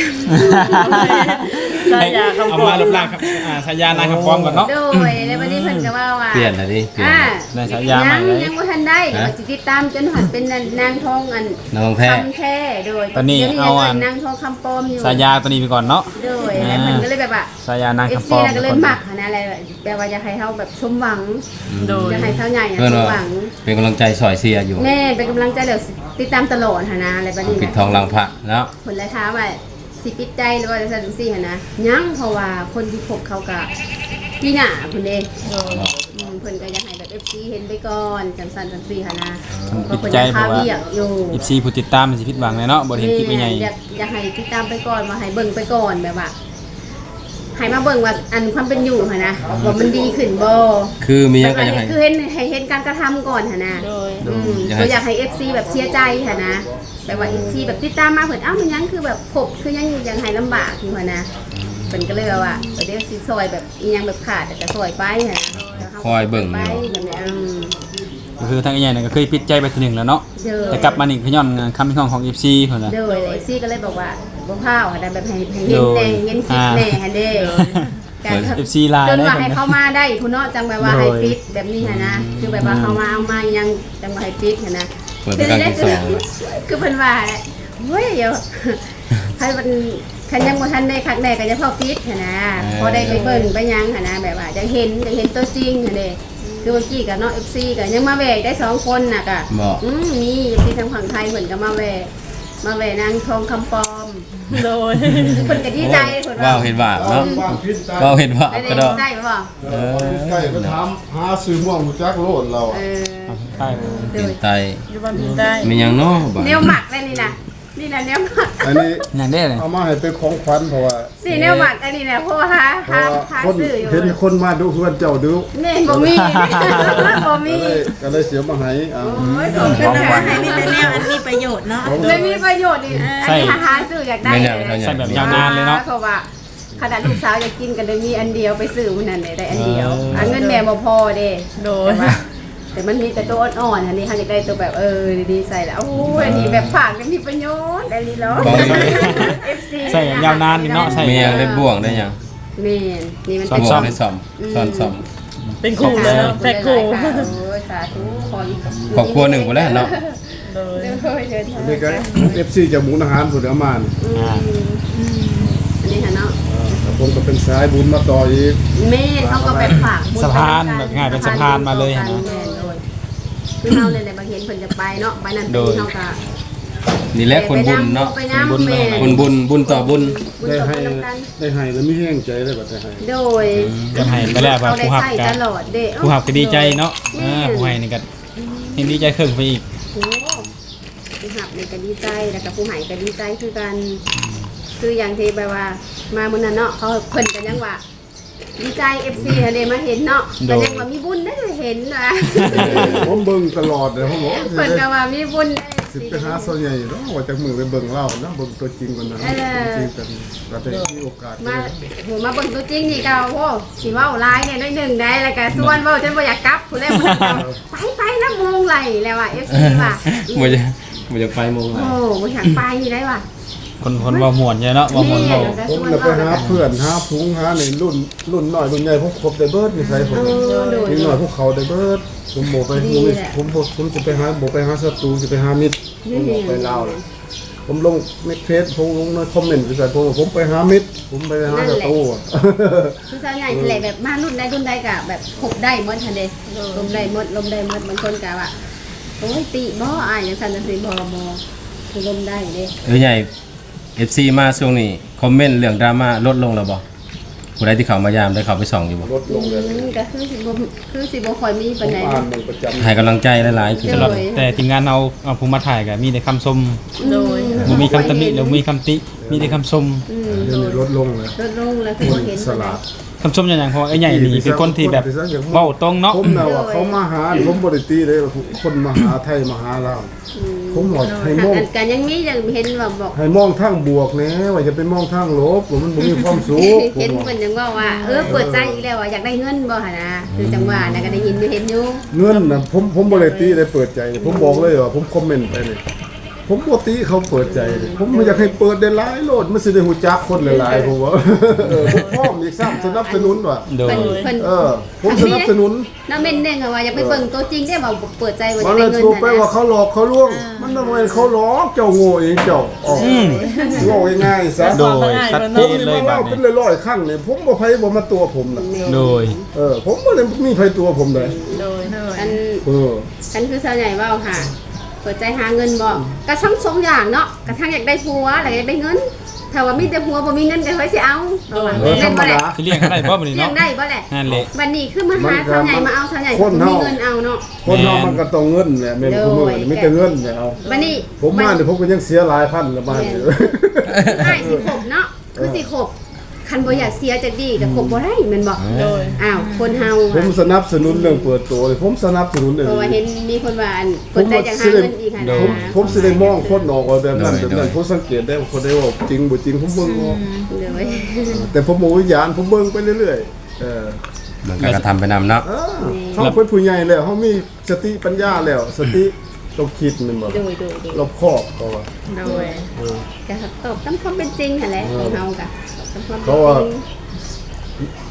[SPEAKER 5] สายาคำ
[SPEAKER 2] เอา
[SPEAKER 5] ฟ้อง
[SPEAKER 2] มาลบล้างครับอ่าฉายานางคำฟ้องก่อนเนาะ
[SPEAKER 3] โดยแล้ววันนี้เพิ่นก็ว่าว่า
[SPEAKER 4] เปลี่ยนน่ะดิเปลี่ยน
[SPEAKER 3] อ่า
[SPEAKER 2] ได้ฉายาใหม่
[SPEAKER 3] ยัง
[SPEAKER 2] เลย
[SPEAKER 3] ยังบ่ทันได้เดี๋ยวว่าสิติดตามจนหันเป็นนางทองอัน
[SPEAKER 4] น้องแท้
[SPEAKER 3] คำแท้โดย
[SPEAKER 2] ตอนนี้
[SPEAKER 3] ดี๋ยว
[SPEAKER 2] เอาอัน
[SPEAKER 3] ยังนางทองคำปลอมอยู่
[SPEAKER 2] ฉายาตัวนี้ไปก่อนเนาะ
[SPEAKER 3] โดยแล้วเพิ่นก็เลยแบบว่า
[SPEAKER 2] ฉายานาง
[SPEAKER 3] เอฟ
[SPEAKER 2] คำฟ้
[SPEAKER 3] ซี
[SPEAKER 2] อง
[SPEAKER 3] แล้วก็เลยหมักหั้นนะอะไรแปลว่าอยากให้เฮาแบบสมหวัง
[SPEAKER 5] โดย
[SPEAKER 3] อยากให้เฮาใหญ่อะ
[SPEAKER 4] เพิ่น
[SPEAKER 3] สม
[SPEAKER 4] ว่า
[SPEAKER 3] หวัง
[SPEAKER 4] เป็นกำลังใจสอยเสียอยู่
[SPEAKER 3] แม่เป็นกำลังใจแล้วติดตามตลอดหั้นนะอะไรแบบนี้
[SPEAKER 4] ปิด
[SPEAKER 3] นะ
[SPEAKER 4] ทองหลังพระเนาะ
[SPEAKER 3] ผลและท้ามว่าสิปิดใจหรือว่าจะสั่นซี่หั้นนะยังเพราะว่าคนที่พบเขาก็พี่หน้าเพิ่นเด้
[SPEAKER 5] โดย
[SPEAKER 3] อืมเพิ่นก็อยากให้แบบ เอฟ ซี เห็นไปก่อนจังซั่นจังซี่หั้นนะ
[SPEAKER 2] ปิด
[SPEAKER 3] เพิ่น
[SPEAKER 2] ใจ
[SPEAKER 3] อยาก
[SPEAKER 2] เพ
[SPEAKER 3] พา
[SPEAKER 2] ราะว่า
[SPEAKER 3] เวียกอยู่
[SPEAKER 2] อีซีผู้ติดตามมันสิผิดหวังเลยเนาะบ่ได้เห็นคลิปไอ้ใหญ่
[SPEAKER 3] อยากอยากให้ติดตามไปก่อนมาให้เบิ่งไปก่อนแบบว่าให้มาเบิ่งว่าอันความเป็นอยู่หั้นนะว่ามันดีขึ้นบ่
[SPEAKER 4] คือมีหยังก็ยัง
[SPEAKER 3] แบบ
[SPEAKER 4] ให้
[SPEAKER 3] ว่าคือเห็นให้เห็นการกระทำก่อนหั่นนะ
[SPEAKER 5] โดย
[SPEAKER 3] อืม
[SPEAKER 4] อยากให้
[SPEAKER 3] ก็อยากให้ เอฟ ซี แบบเสียใจหั่นนะแบบว่า เอฟ ซี แบบติดตามมาเพิ่นเอ้ามันยังคือแบบขบคือยังยังให้ลำบากอยู่หั่นนะเพิ่นก็เลยว่าว่าเดี๋ยวสิซอยแบบอีหยังแบบขาดแต่ก็ซอยไปหั่นนะแล้วรา
[SPEAKER 4] คอยเบิ่ง
[SPEAKER 3] ไป
[SPEAKER 4] อยู่
[SPEAKER 3] แบบนี้อืม
[SPEAKER 2] ก็คือทางไอ้ใหญ่เนี่ยก็เคยปิดใจไปทีหนึ่งแล้วเนาะ
[SPEAKER 3] เด้อ
[SPEAKER 2] แต่กลับมานี่คือย้อนคำพิพากษาของ เอฟ ซี เพิ่นน่ะ
[SPEAKER 3] เด้อ เอฟ ซี ก็เลยบอกว่าบ่พาวหั่นนะแบบให้ให้เห็นแน่เห็นคลิปแน่หั่นเด้การ
[SPEAKER 2] เอฟ ซี ลาย
[SPEAKER 3] จน
[SPEAKER 2] ได้
[SPEAKER 3] ว่า
[SPEAKER 2] เพิ่
[SPEAKER 3] ให้
[SPEAKER 2] น
[SPEAKER 3] เขา
[SPEAKER 2] นะ
[SPEAKER 3] มาได้ผู้เนาะจังแบบว่า
[SPEAKER 2] โดย
[SPEAKER 3] ให้ปิดแบบนี้หั่นนะคือแบบว่าเขามาเอามายังจังว่าให้ปิดหั่นนะ
[SPEAKER 4] เปิดเป็นครั้งที่สอง
[SPEAKER 3] คือเพิ่นว่าแหละเฮ้ยเดี๋ยวใครมันคันยังบ่ทันได้คักแน่ก็จะพอฟิตหั่นนะพอได้ไปเบิ่งไปหยังหั่นนะแบบว่าจะเห็นจะเห็นตัวจริงหั่นเด้คือเมื่อกี้กับน้อง เอฟ ซี ก็ยังมาแวกได้สองคนน่ะก็
[SPEAKER 4] บ่
[SPEAKER 3] อืมมี เอฟ ซี ทางฝั่งไทยเพิ่นก็มาแวกมาแวกนางทองคำปลอม
[SPEAKER 5] โดย
[SPEAKER 3] เพิ่นก็ดีใจเพิ่น
[SPEAKER 4] ว้าวเห็นว่าเนาะ
[SPEAKER 1] ว่างพิษใจ
[SPEAKER 4] ว้าวเห็นว่า
[SPEAKER 3] ได้
[SPEAKER 4] ก็ดอก
[SPEAKER 3] ได้บ่
[SPEAKER 1] เออใกล้ก็ถามหาซื้อม่วงหูจักโลดเรา
[SPEAKER 3] เอ
[SPEAKER 1] อะ
[SPEAKER 3] อ
[SPEAKER 2] ใช่
[SPEAKER 3] โด
[SPEAKER 4] เป็น
[SPEAKER 3] ย
[SPEAKER 4] ไต
[SPEAKER 5] อยู่บ้านพี่ได้
[SPEAKER 4] มีหยังเนาะบ่
[SPEAKER 3] แนวหมักได้นี่นะนี่นะแนวหมัก
[SPEAKER 1] อันนี้
[SPEAKER 2] อย่างนี้เลย
[SPEAKER 1] เอามาให้เป็นของขวัญเพราะว่า
[SPEAKER 3] สิแนวหมักอันนี้นะเพราะว่าหา
[SPEAKER 1] เพ
[SPEAKER 3] หา
[SPEAKER 1] ราะว่า
[SPEAKER 3] หา
[SPEAKER 1] คน
[SPEAKER 3] ซื้ออยู่
[SPEAKER 1] เห็นคนมาดูเพื่อนเจ้าดู
[SPEAKER 3] นี่บ่มีบ่มี
[SPEAKER 1] ก็เลยก็เลยเสียมาให้เอา
[SPEAKER 3] โอ้ยของกันนะ
[SPEAKER 6] ให้มีแต่แนวอันมีประโยชน์เนาะ
[SPEAKER 3] เลยมีประโยชน์อีกอันนี้หาซื้ออยากได้
[SPEAKER 2] ใส่แบบยาวนานเลยเนาะ
[SPEAKER 3] เพราะว่าขนาดลูกสาวอยากกินกันเลยมีอันเดียวไปซื้อมันนั่นเลยได้อันเดียว
[SPEAKER 2] เอออั
[SPEAKER 3] อันเงินแม่บ่พอเด้
[SPEAKER 5] โดย
[SPEAKER 3] แต่ว่าแต่มันมีแต่ตัวอ่อนๆอันนี้เขาอยากได้ตัวแบบเออดีๆใส่แล้วโอ้ยอันนี้แบบฝากกันมีประโยชน์อันนี้เนาะ เอฟ ซี
[SPEAKER 2] ใส่แบบยาวนานนี่เนาะใส่
[SPEAKER 4] มีหยังได้บ่วงได้หยัง
[SPEAKER 3] แม่นนี่มัน
[SPEAKER 4] ซ่อ
[SPEAKER 3] เป็
[SPEAKER 4] ม
[SPEAKER 3] น
[SPEAKER 4] ซ่อมได้ซ่อมซ่อนซ่อม
[SPEAKER 5] เป็นคู่เลยเนาะแพ็คคู่
[SPEAKER 3] โอ้ยสาธุขออีก
[SPEAKER 4] ครอบครัวหนึ่งพุ่นแหล้วเนาะ
[SPEAKER 5] โดย
[SPEAKER 3] เดี๋ยวเดี๋ยว
[SPEAKER 1] อันนี้ก็ เอฟ ซี จากหมูอาหารผุดเอามานี่
[SPEAKER 3] อืมอันนี้ค่ะเนาะ
[SPEAKER 1] แล้วผมก็เป็นสายบุญมาต่ออีก
[SPEAKER 3] แม่เขาก็แบบฝากบุญ
[SPEAKER 2] สะพานแบบง่ายเป็นสะพานมาเลย
[SPEAKER 3] นะ
[SPEAKER 2] นะ
[SPEAKER 3] คือเฮาเลยแหละบางเห็นเพิ่นจะไปเนาะไปนั่นไปนี่เฮาก็
[SPEAKER 4] นี่แหละคนบุญเนาะ
[SPEAKER 3] ไปน้ำแม่
[SPEAKER 4] คนบุญบุญต่อบุญ
[SPEAKER 3] บุญ
[SPEAKER 1] ได้
[SPEAKER 3] ต่อ
[SPEAKER 1] ให้
[SPEAKER 3] บุญนำกัน
[SPEAKER 1] ได้ให้แล้วมีแห้งใจได้บัดได้ให้
[SPEAKER 3] โดย
[SPEAKER 2] จะให้ไปแล้วว่า
[SPEAKER 3] เขาได้
[SPEAKER 2] ผู้หับ
[SPEAKER 3] ใช้
[SPEAKER 2] กั
[SPEAKER 3] ต
[SPEAKER 2] น
[SPEAKER 3] ลอดเด้
[SPEAKER 2] ผู้หับก็ดีใจเนาะ
[SPEAKER 3] แม่
[SPEAKER 2] อ่าผู้ให้นี่ก็เห็นดีใจขึ้นไปอีก
[SPEAKER 3] โอ้ผู้หับนี่ก็ดีใจแล้วก็ผู้ให้ก็ดีใจคือกัน คืออย่างที่แบบว่ามามื้อนั้นเนาะเขาเพิ่นก็ยังว่าดีใจ เอฟ ซี เฮาได้มาเห็นเนาะก็ยังว่ามีบุญได้เห็นนะ
[SPEAKER 1] ผมเบิ่งตลอดเลยผมบอก
[SPEAKER 3] เพิ่นก็ว่ามีบุญได้
[SPEAKER 1] สิไปหาส่วนใหญ่เนาะว่าจากมือไปเบิ่งเล่าเนาะเบิ่งตัวจริงก่อนนะจริงกันก็ได้มีโอกาส
[SPEAKER 3] มาโหมาเบิ่งตัวจริงนี่ก็โอ้สิเว้าหลายเนี่ยน้อยหนึงได้แล้วก็ส่วนเว้าจนบ่อยากกลับผู้ใดผู้นั้นก็ไปไปน้ำมงไหลแล้วอ่ะ เอฟ ซี ว่ะ
[SPEAKER 4] บ่จะบ่จะไปมงไหล
[SPEAKER 3] โอ้บ่อยากไปได้ว่ะ
[SPEAKER 2] คนคนว่าม่วนใช่เนาะว่าม่วน
[SPEAKER 3] แม่
[SPEAKER 2] เว้า
[SPEAKER 3] ก็
[SPEAKER 1] ผม
[SPEAKER 3] ส่วน
[SPEAKER 1] น่ะไป
[SPEAKER 3] เว้า
[SPEAKER 1] หาเพื่อนหาพุงหาในรุ่นรุ่นน้อยรุ่นใหญ่ผมครบได้เบิดนี่ใส่ผม
[SPEAKER 3] เออโดย
[SPEAKER 1] นี่หน่อยพวกเขาได้เบิดผมบ่ไป
[SPEAKER 3] ดี
[SPEAKER 1] ผม
[SPEAKER 3] แหละ
[SPEAKER 1] ผมบ่ผมสิไปหาบ่ไปหาศัตรูสิไปหามิตรผมบ่ไปลาวเลยผมลงในเฟซผมลงในคอมเมนต์ไปใส่ผมว่าผมไปหามิตรผมไปหาศัตรูอะ
[SPEAKER 3] คือส่วนใหญ่แหละแบบมารุ่นใดรุ่นใดก็แบบคบได้หมดทันเดลมได้หมดลมได้หมดบางคนก็ว่าโอ้ยติบ่อายจังซั่นจังซี่บ่บ่คือลมได้เด้
[SPEAKER 4] เออใหญ่ เอฟ ซี มาช่วงนี้คอมเมนต์เรื่องดราม่าลดลงแล้วบ่ผู้ใดที่เข้ามายามได้เข้าไปส่องอยู่บ่
[SPEAKER 1] ลดลงเลย
[SPEAKER 3] อืมก็คือสิบ่คือสิบ่ค่อยมี
[SPEAKER 1] ผ
[SPEAKER 3] ปาน
[SPEAKER 1] ม
[SPEAKER 3] ใด
[SPEAKER 1] อ่านมันประจำ
[SPEAKER 4] ให้กำลังใจหลายๆคือ
[SPEAKER 2] สำหรับแต่ทีมงานเราเอาผู้มาถ่ายก็มีแต่คำชม
[SPEAKER 5] โดย
[SPEAKER 2] บ่มีคำตำหนิหรือมีคำติมีแต่คำชม
[SPEAKER 3] อืม
[SPEAKER 1] เดี๋ยวนี้ลดลงเลย
[SPEAKER 3] ลดลงแล้วคือ
[SPEAKER 1] ค
[SPEAKER 3] บ่
[SPEAKER 1] น
[SPEAKER 3] เห็น
[SPEAKER 1] ส
[SPEAKER 3] ปานใด
[SPEAKER 1] ลาด
[SPEAKER 2] คำชมอย่างอย่างเพราะว่าไอ้ใหญ่นี่เป็นคนที่แบบเว้าตรงเนาะ
[SPEAKER 1] ผมน่ะว่าเขามาหาผมบ่ได้ตีเลยว่าคนมาหาไทยมาหาลาวผมบอกให้มอง
[SPEAKER 3] อันกันยังมียังเห็นว่าบอก
[SPEAKER 1] ให้มองทางบวกแหน่ว่าจะไปมองทางลบว่ามันบ่มีความสุขผม
[SPEAKER 3] เห็น
[SPEAKER 1] ว่า
[SPEAKER 3] เพิ่นยังว่าว่าเออเปิดใจอีกแล้วว่าอยากได้เงินบ่หั่นนะคือจังหวะน่ะก็ได้ยินอยู่เห็นอยู่
[SPEAKER 1] เงินน่ะผมผมบ่ได้ตีได้เปิดใจ ผมบอกเลยว่าผมคอมเมนต์ไปเลยผมบ่ตีเขาเปิดใจเลยผมบ่อยากให้เปิดได้หลายโลดมันสิได้ฮู้จักคนหลายๆผมว่าเออผมพร้อมอีกซ้ำสนับสนุนว่ะ
[SPEAKER 2] โดย
[SPEAKER 3] เพิ่นเพิ่น
[SPEAKER 1] เออ ผมสนับสนุน
[SPEAKER 3] น้าเม่นเด้งอะว่าอยากไปเบิ่งตัวจริงได้บ่เปิดใจว่าอ
[SPEAKER 1] มั
[SPEAKER 3] ยาน ก
[SPEAKER 1] เล
[SPEAKER 3] ได้
[SPEAKER 1] ย
[SPEAKER 3] เงิน
[SPEAKER 1] ถูก
[SPEAKER 3] น่ะ
[SPEAKER 1] ไปว่า
[SPEAKER 3] นะ
[SPEAKER 1] เขาหลอกเขาลวง มันบ่แม่นเขาหลอกเจ้าโง่เองเจ้าอ๋อโง่ง่ายๆซะ
[SPEAKER 2] โดยชัดเจ
[SPEAKER 1] ผม
[SPEAKER 2] น
[SPEAKER 1] นี่
[SPEAKER 2] เลย
[SPEAKER 1] มา
[SPEAKER 2] บัด
[SPEAKER 1] เล่าเป็น
[SPEAKER 2] นี้
[SPEAKER 1] ร้อยๆครั้งเลยผมบ่ไผบ่มาตัวผมน่ะ
[SPEAKER 2] โดย
[SPEAKER 1] เออผมบ่ได้มีไผตัวผมเลย
[SPEAKER 5] โดย
[SPEAKER 6] โดย
[SPEAKER 3] อัน
[SPEAKER 1] เออ
[SPEAKER 3] อันคือสาวใหญ่เว้าค่ะเปิดใจหาเงินบ่ก็ทั้งสองอย่างเนาะกระทั่งอยากได้ผัวแล้วอยากได้เงินถ้าว่ามีแต่ผัวบ่มีเงินก็ไว้สิเอาเอาว่า
[SPEAKER 1] เออธร
[SPEAKER 3] เล่น
[SPEAKER 1] รม
[SPEAKER 3] บ่แหละ
[SPEAKER 1] ดา
[SPEAKER 2] สิเลี้ยงเขาได้บ่บัดนี้
[SPEAKER 3] เลี้ย
[SPEAKER 2] เนาะ
[SPEAKER 3] งได้บ่แหละ
[SPEAKER 2] นั่นแหละ
[SPEAKER 3] บัดนี้คือมาหาสาวใหญ่มาเอาสาวใหญ่
[SPEAKER 1] คน
[SPEAKER 3] มี
[SPEAKER 1] เฮา
[SPEAKER 3] เงินเอาเนาะ
[SPEAKER 1] คนเรามันก็ต้องเงินแหละแม่นผู้มือนี่มีแต่เงินแหละเอา
[SPEAKER 3] บัดนี้
[SPEAKER 1] ผมมาเนี่ยผมก็ยังเสียหลายพันละบ้านอยู่
[SPEAKER 3] ได้สิขบเนาะคือสิขบคันบ่อยากเสียจะดีก็ขบบ่ได้แม่นบ่
[SPEAKER 5] โดย
[SPEAKER 3] อ้าวคนเฮา
[SPEAKER 1] ผมสนับสนุนเรื่องเปิดตัวเลยผมสนับสนุนเรื่อง
[SPEAKER 3] เพราะว่าเห็นมีคนว่าอันเปิดใจจังหาเงินอีกค่ะ
[SPEAKER 2] โด
[SPEAKER 3] นะ
[SPEAKER 2] ย
[SPEAKER 1] ผมผมสิได้มองคนออกว่าแบบนั้นแบบนั้นผมสังเกตได้ว่าคนได้ว่าจริงบ่จริงผมเบิ่งออก
[SPEAKER 3] เดี๋ยวไว้
[SPEAKER 1] แต่ผมบ่วิญญาณผมเบิ่งไปเรื่อยๆเออ
[SPEAKER 4] มันก็กระทำไปนำเนาะ
[SPEAKER 1] เออเขาเป็นผู้ใหญ่แล้วเขามีสติปัญญาแล้ว สติต้องคิดแมันบ่
[SPEAKER 3] โดยโดยโดย
[SPEAKER 1] รอบคอบก็ว่า
[SPEAKER 6] โดย
[SPEAKER 1] เออ
[SPEAKER 3] ก็ตอบตามความเป็นจริงหั่นแหละของเฮาก็ตามความเป็น
[SPEAKER 1] เพราะว่า
[SPEAKER 3] จริง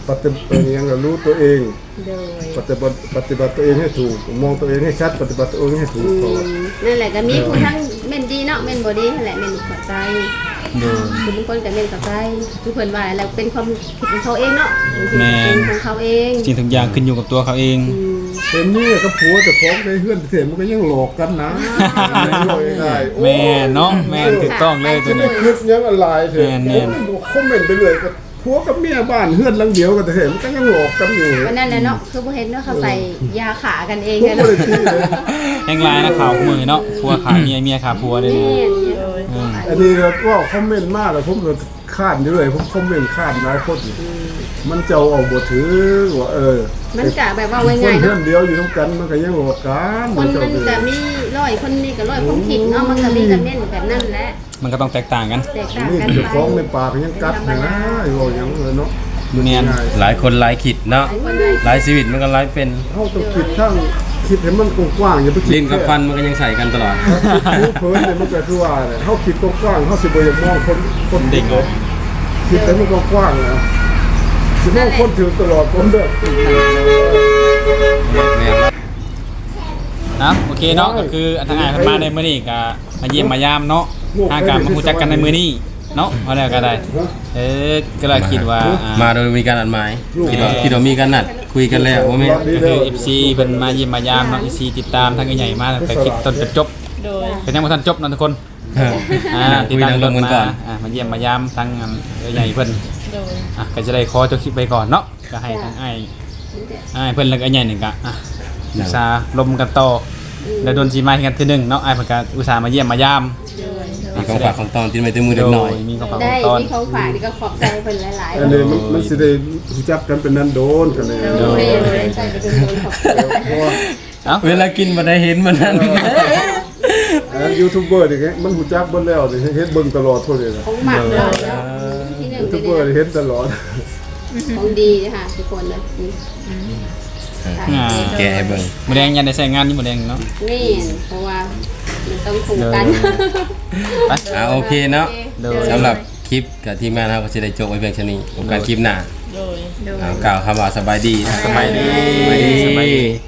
[SPEAKER 1] ปฏิบัติยังรู้ตัวเอง
[SPEAKER 3] โดย
[SPEAKER 1] ปฏิบัติปฏิบัติตัวเองให้ถูกมองตัวเองให้ชัดปฏิบัติตัวเองให้ถูก
[SPEAKER 3] อื
[SPEAKER 1] ก่อน
[SPEAKER 3] มนั่นแหละก็มีผู้ทั้งเม่นดีเนาะเม่นบ่ดีนั่นแหละเม่นเข้าใจ
[SPEAKER 2] โดย
[SPEAKER 3] คือบางคนก็เม่นเข้าใจทุกคนว่าแล้วเป็นความผิดของเขาเองเนาะ
[SPEAKER 2] แม่น
[SPEAKER 3] เป็นของเขาเอง
[SPEAKER 2] จริงทุกอย่างขึ้นอยู่กับตัวเขาเอง
[SPEAKER 3] อืม
[SPEAKER 1] เห็นนี่ก็ผัวจะฟ้องได้เฮือนเสียมันก็ยังหลอกกันนะง่ายๆ
[SPEAKER 2] แม่นเนาะแม่นถูกต้องเลยตัวนี้
[SPEAKER 1] คิดยังอะไรเถอะ
[SPEAKER 2] แม่นแม่น
[SPEAKER 1] คอมเมนต์ไปเลยก็ผัวกับเมียบ้านเฮือนหลังเดียวกันแต่เห็นมันก็ยังหลอกกันอยู่
[SPEAKER 3] วันนั้นแหละเนาะคือบ่เห็นว่าเขาใส่ยาขากันเอง
[SPEAKER 1] ผม
[SPEAKER 3] กัน
[SPEAKER 1] ก็
[SPEAKER 3] เนาะ
[SPEAKER 1] เลยคิดเลย
[SPEAKER 2] แห่งลายนะข่าวคู่มือเนาะผัวขาเมียเมียขาผัวเลย
[SPEAKER 3] แม่
[SPEAKER 2] นี่
[SPEAKER 3] น
[SPEAKER 2] อืม
[SPEAKER 1] อันนี้ก็ว่าคอมเมนต์มากเลยผมเลยคาดอยู่เลยผมคอมเมนต์คาดหลายคนมันจะเอาบ่ถือว่าเออ
[SPEAKER 3] มันก็แบบว่า
[SPEAKER 1] คน
[SPEAKER 3] ง่ายๆ
[SPEAKER 1] เพื่อ
[SPEAKER 3] เนาะ
[SPEAKER 1] นเดียวอยู่ต้องกันมันก็ยังหลอกกัน
[SPEAKER 3] คนมันก็มีร้อยคนนี่ก็ร้อยความผิดเนาะมันก็มีกันเม่นแบบนั้นแหละ
[SPEAKER 2] มันก็ต้องแตกต่างกัน
[SPEAKER 3] แตกต่าง
[SPEAKER 1] นี่
[SPEAKER 3] กัน
[SPEAKER 1] จะ
[SPEAKER 3] ไป
[SPEAKER 1] ฟ้องในปากยังกัดเลยนะไอ้โว้ยังเลยเนาะ
[SPEAKER 2] แม่น
[SPEAKER 1] ง่าย
[SPEAKER 4] หลายคนหลายขิดเนาะ
[SPEAKER 3] คนเลย
[SPEAKER 4] หลายชีวิตมันก็หลายเป็น
[SPEAKER 1] เขาต้องคิดทั้งคิดให้มันกว้างๆอย่าไปคิด
[SPEAKER 4] ลิ้นกับฟันมันก็ยังใส่กันตลอด
[SPEAKER 1] คิดเพิ่นเนี่ยมันก็คือว่าเนี่ยเขาคิดกว้างๆเขาสิบ่อยากมองคนคน
[SPEAKER 2] เด็ก
[SPEAKER 1] ออกคิดให้มันกว้างๆนะสิมองคนถึงตลอดผมเด้อ
[SPEAKER 2] นะโอเคเนาะก็คือทางอ้ายเพิ่นมาในมื้อนี้ก็มาเยี่ยมมายามเนาะหาการมารู้จักกันในมื้อนี้เนาะเอาแล้วก็ได้ เออก็เลยคิดว่าอ่า
[SPEAKER 4] มาโดยมีการนัดหมายคิดว่าคิดว่ามีการนัดคุยกันแล้วว่าแม่
[SPEAKER 2] ก็คือ เอฟ ซี เพิ่นมาเยี่ยมมายามเนาะ เอฟ ซี ติดตามทางใหญ่ๆมาตั้งแต่คลิปต้นจนจบ
[SPEAKER 5] โดย
[SPEAKER 2] เป็นยังบ่ทันจบเนาะทุกคน
[SPEAKER 4] เออ
[SPEAKER 2] อ่า
[SPEAKER 4] คุ
[SPEAKER 2] ติด
[SPEAKER 4] ย
[SPEAKER 2] ตาม
[SPEAKER 4] นั่งล
[SPEAKER 2] ร
[SPEAKER 4] ง
[SPEAKER 2] ถ
[SPEAKER 4] กัน
[SPEAKER 2] มา
[SPEAKER 4] ก่อน
[SPEAKER 2] อ่ามาเยี่ยมมายามทางอันใหญ่ๆเพิ่น
[SPEAKER 5] โดย
[SPEAKER 2] อ่ะก็จะได้ขอจบคลิปไปก่อนเนาะก็ให้ทางอ้ายอ้ายเพิ่นแล้วก็อ้ายใหญ่หนึ่งก็อ่ะอุตส่าห์ลมกันต่อแล้วโดนสิมาให้กันทีหนึงเนาะอ้ายเพิ่นก็อุตส่าห์มาเยี่ยมมายาม
[SPEAKER 4] มีของฝากของตอนที่ไม่ถึงมือเด็กน้อย
[SPEAKER 2] โมีของฝากข
[SPEAKER 3] ได้
[SPEAKER 2] องตอน
[SPEAKER 3] มีของฝากนี่ก็ขอบใจเพิ่นหลายๆ
[SPEAKER 1] อันนี้มันมันสิได้รู้จักกันเป็นนันโดนกันเลย
[SPEAKER 3] โดยใส่ไปเป็นคนขอบใจ
[SPEAKER 1] เพราะว่า
[SPEAKER 2] เอ้า
[SPEAKER 4] เวลากินมาได้เห็นมันนั้น
[SPEAKER 1] อันยูทูบเบอร์นี่มันรู้จักเบิ่แล้วนี่เฮ็ดเบิ่งตลอดพุ่นเลยนะ
[SPEAKER 3] ของหมักเลยเนาะที่หนึ่ง
[SPEAKER 1] ยู
[SPEAKER 3] เล
[SPEAKER 1] ทูบ
[SPEAKER 3] ย
[SPEAKER 1] เบอร์
[SPEAKER 3] เนี่ย
[SPEAKER 1] นี่เฮ็ดตลอด
[SPEAKER 3] ของดีนะคะทุกคนเลยนี่
[SPEAKER 2] อ่า
[SPEAKER 4] แกให้เบิ่ง
[SPEAKER 2] หมูแดงยันได้ใช้งานนี่หมูแดงเนาะ
[SPEAKER 3] นี่เพราะว่ามันต้องถูกกัน
[SPEAKER 2] ไป
[SPEAKER 4] อ่าโอเคเนาะ
[SPEAKER 2] โดย
[SPEAKER 4] สำหรับคลิปกับทีมงานเราก็จะได้จบไว้เพียงเท่านี้กับการคลิปหน้า
[SPEAKER 5] โดย
[SPEAKER 4] อ่ากล่าวคำว่าสบายดีนะ
[SPEAKER 2] สบายดี
[SPEAKER 4] สบายดี
[SPEAKER 2] สบายดี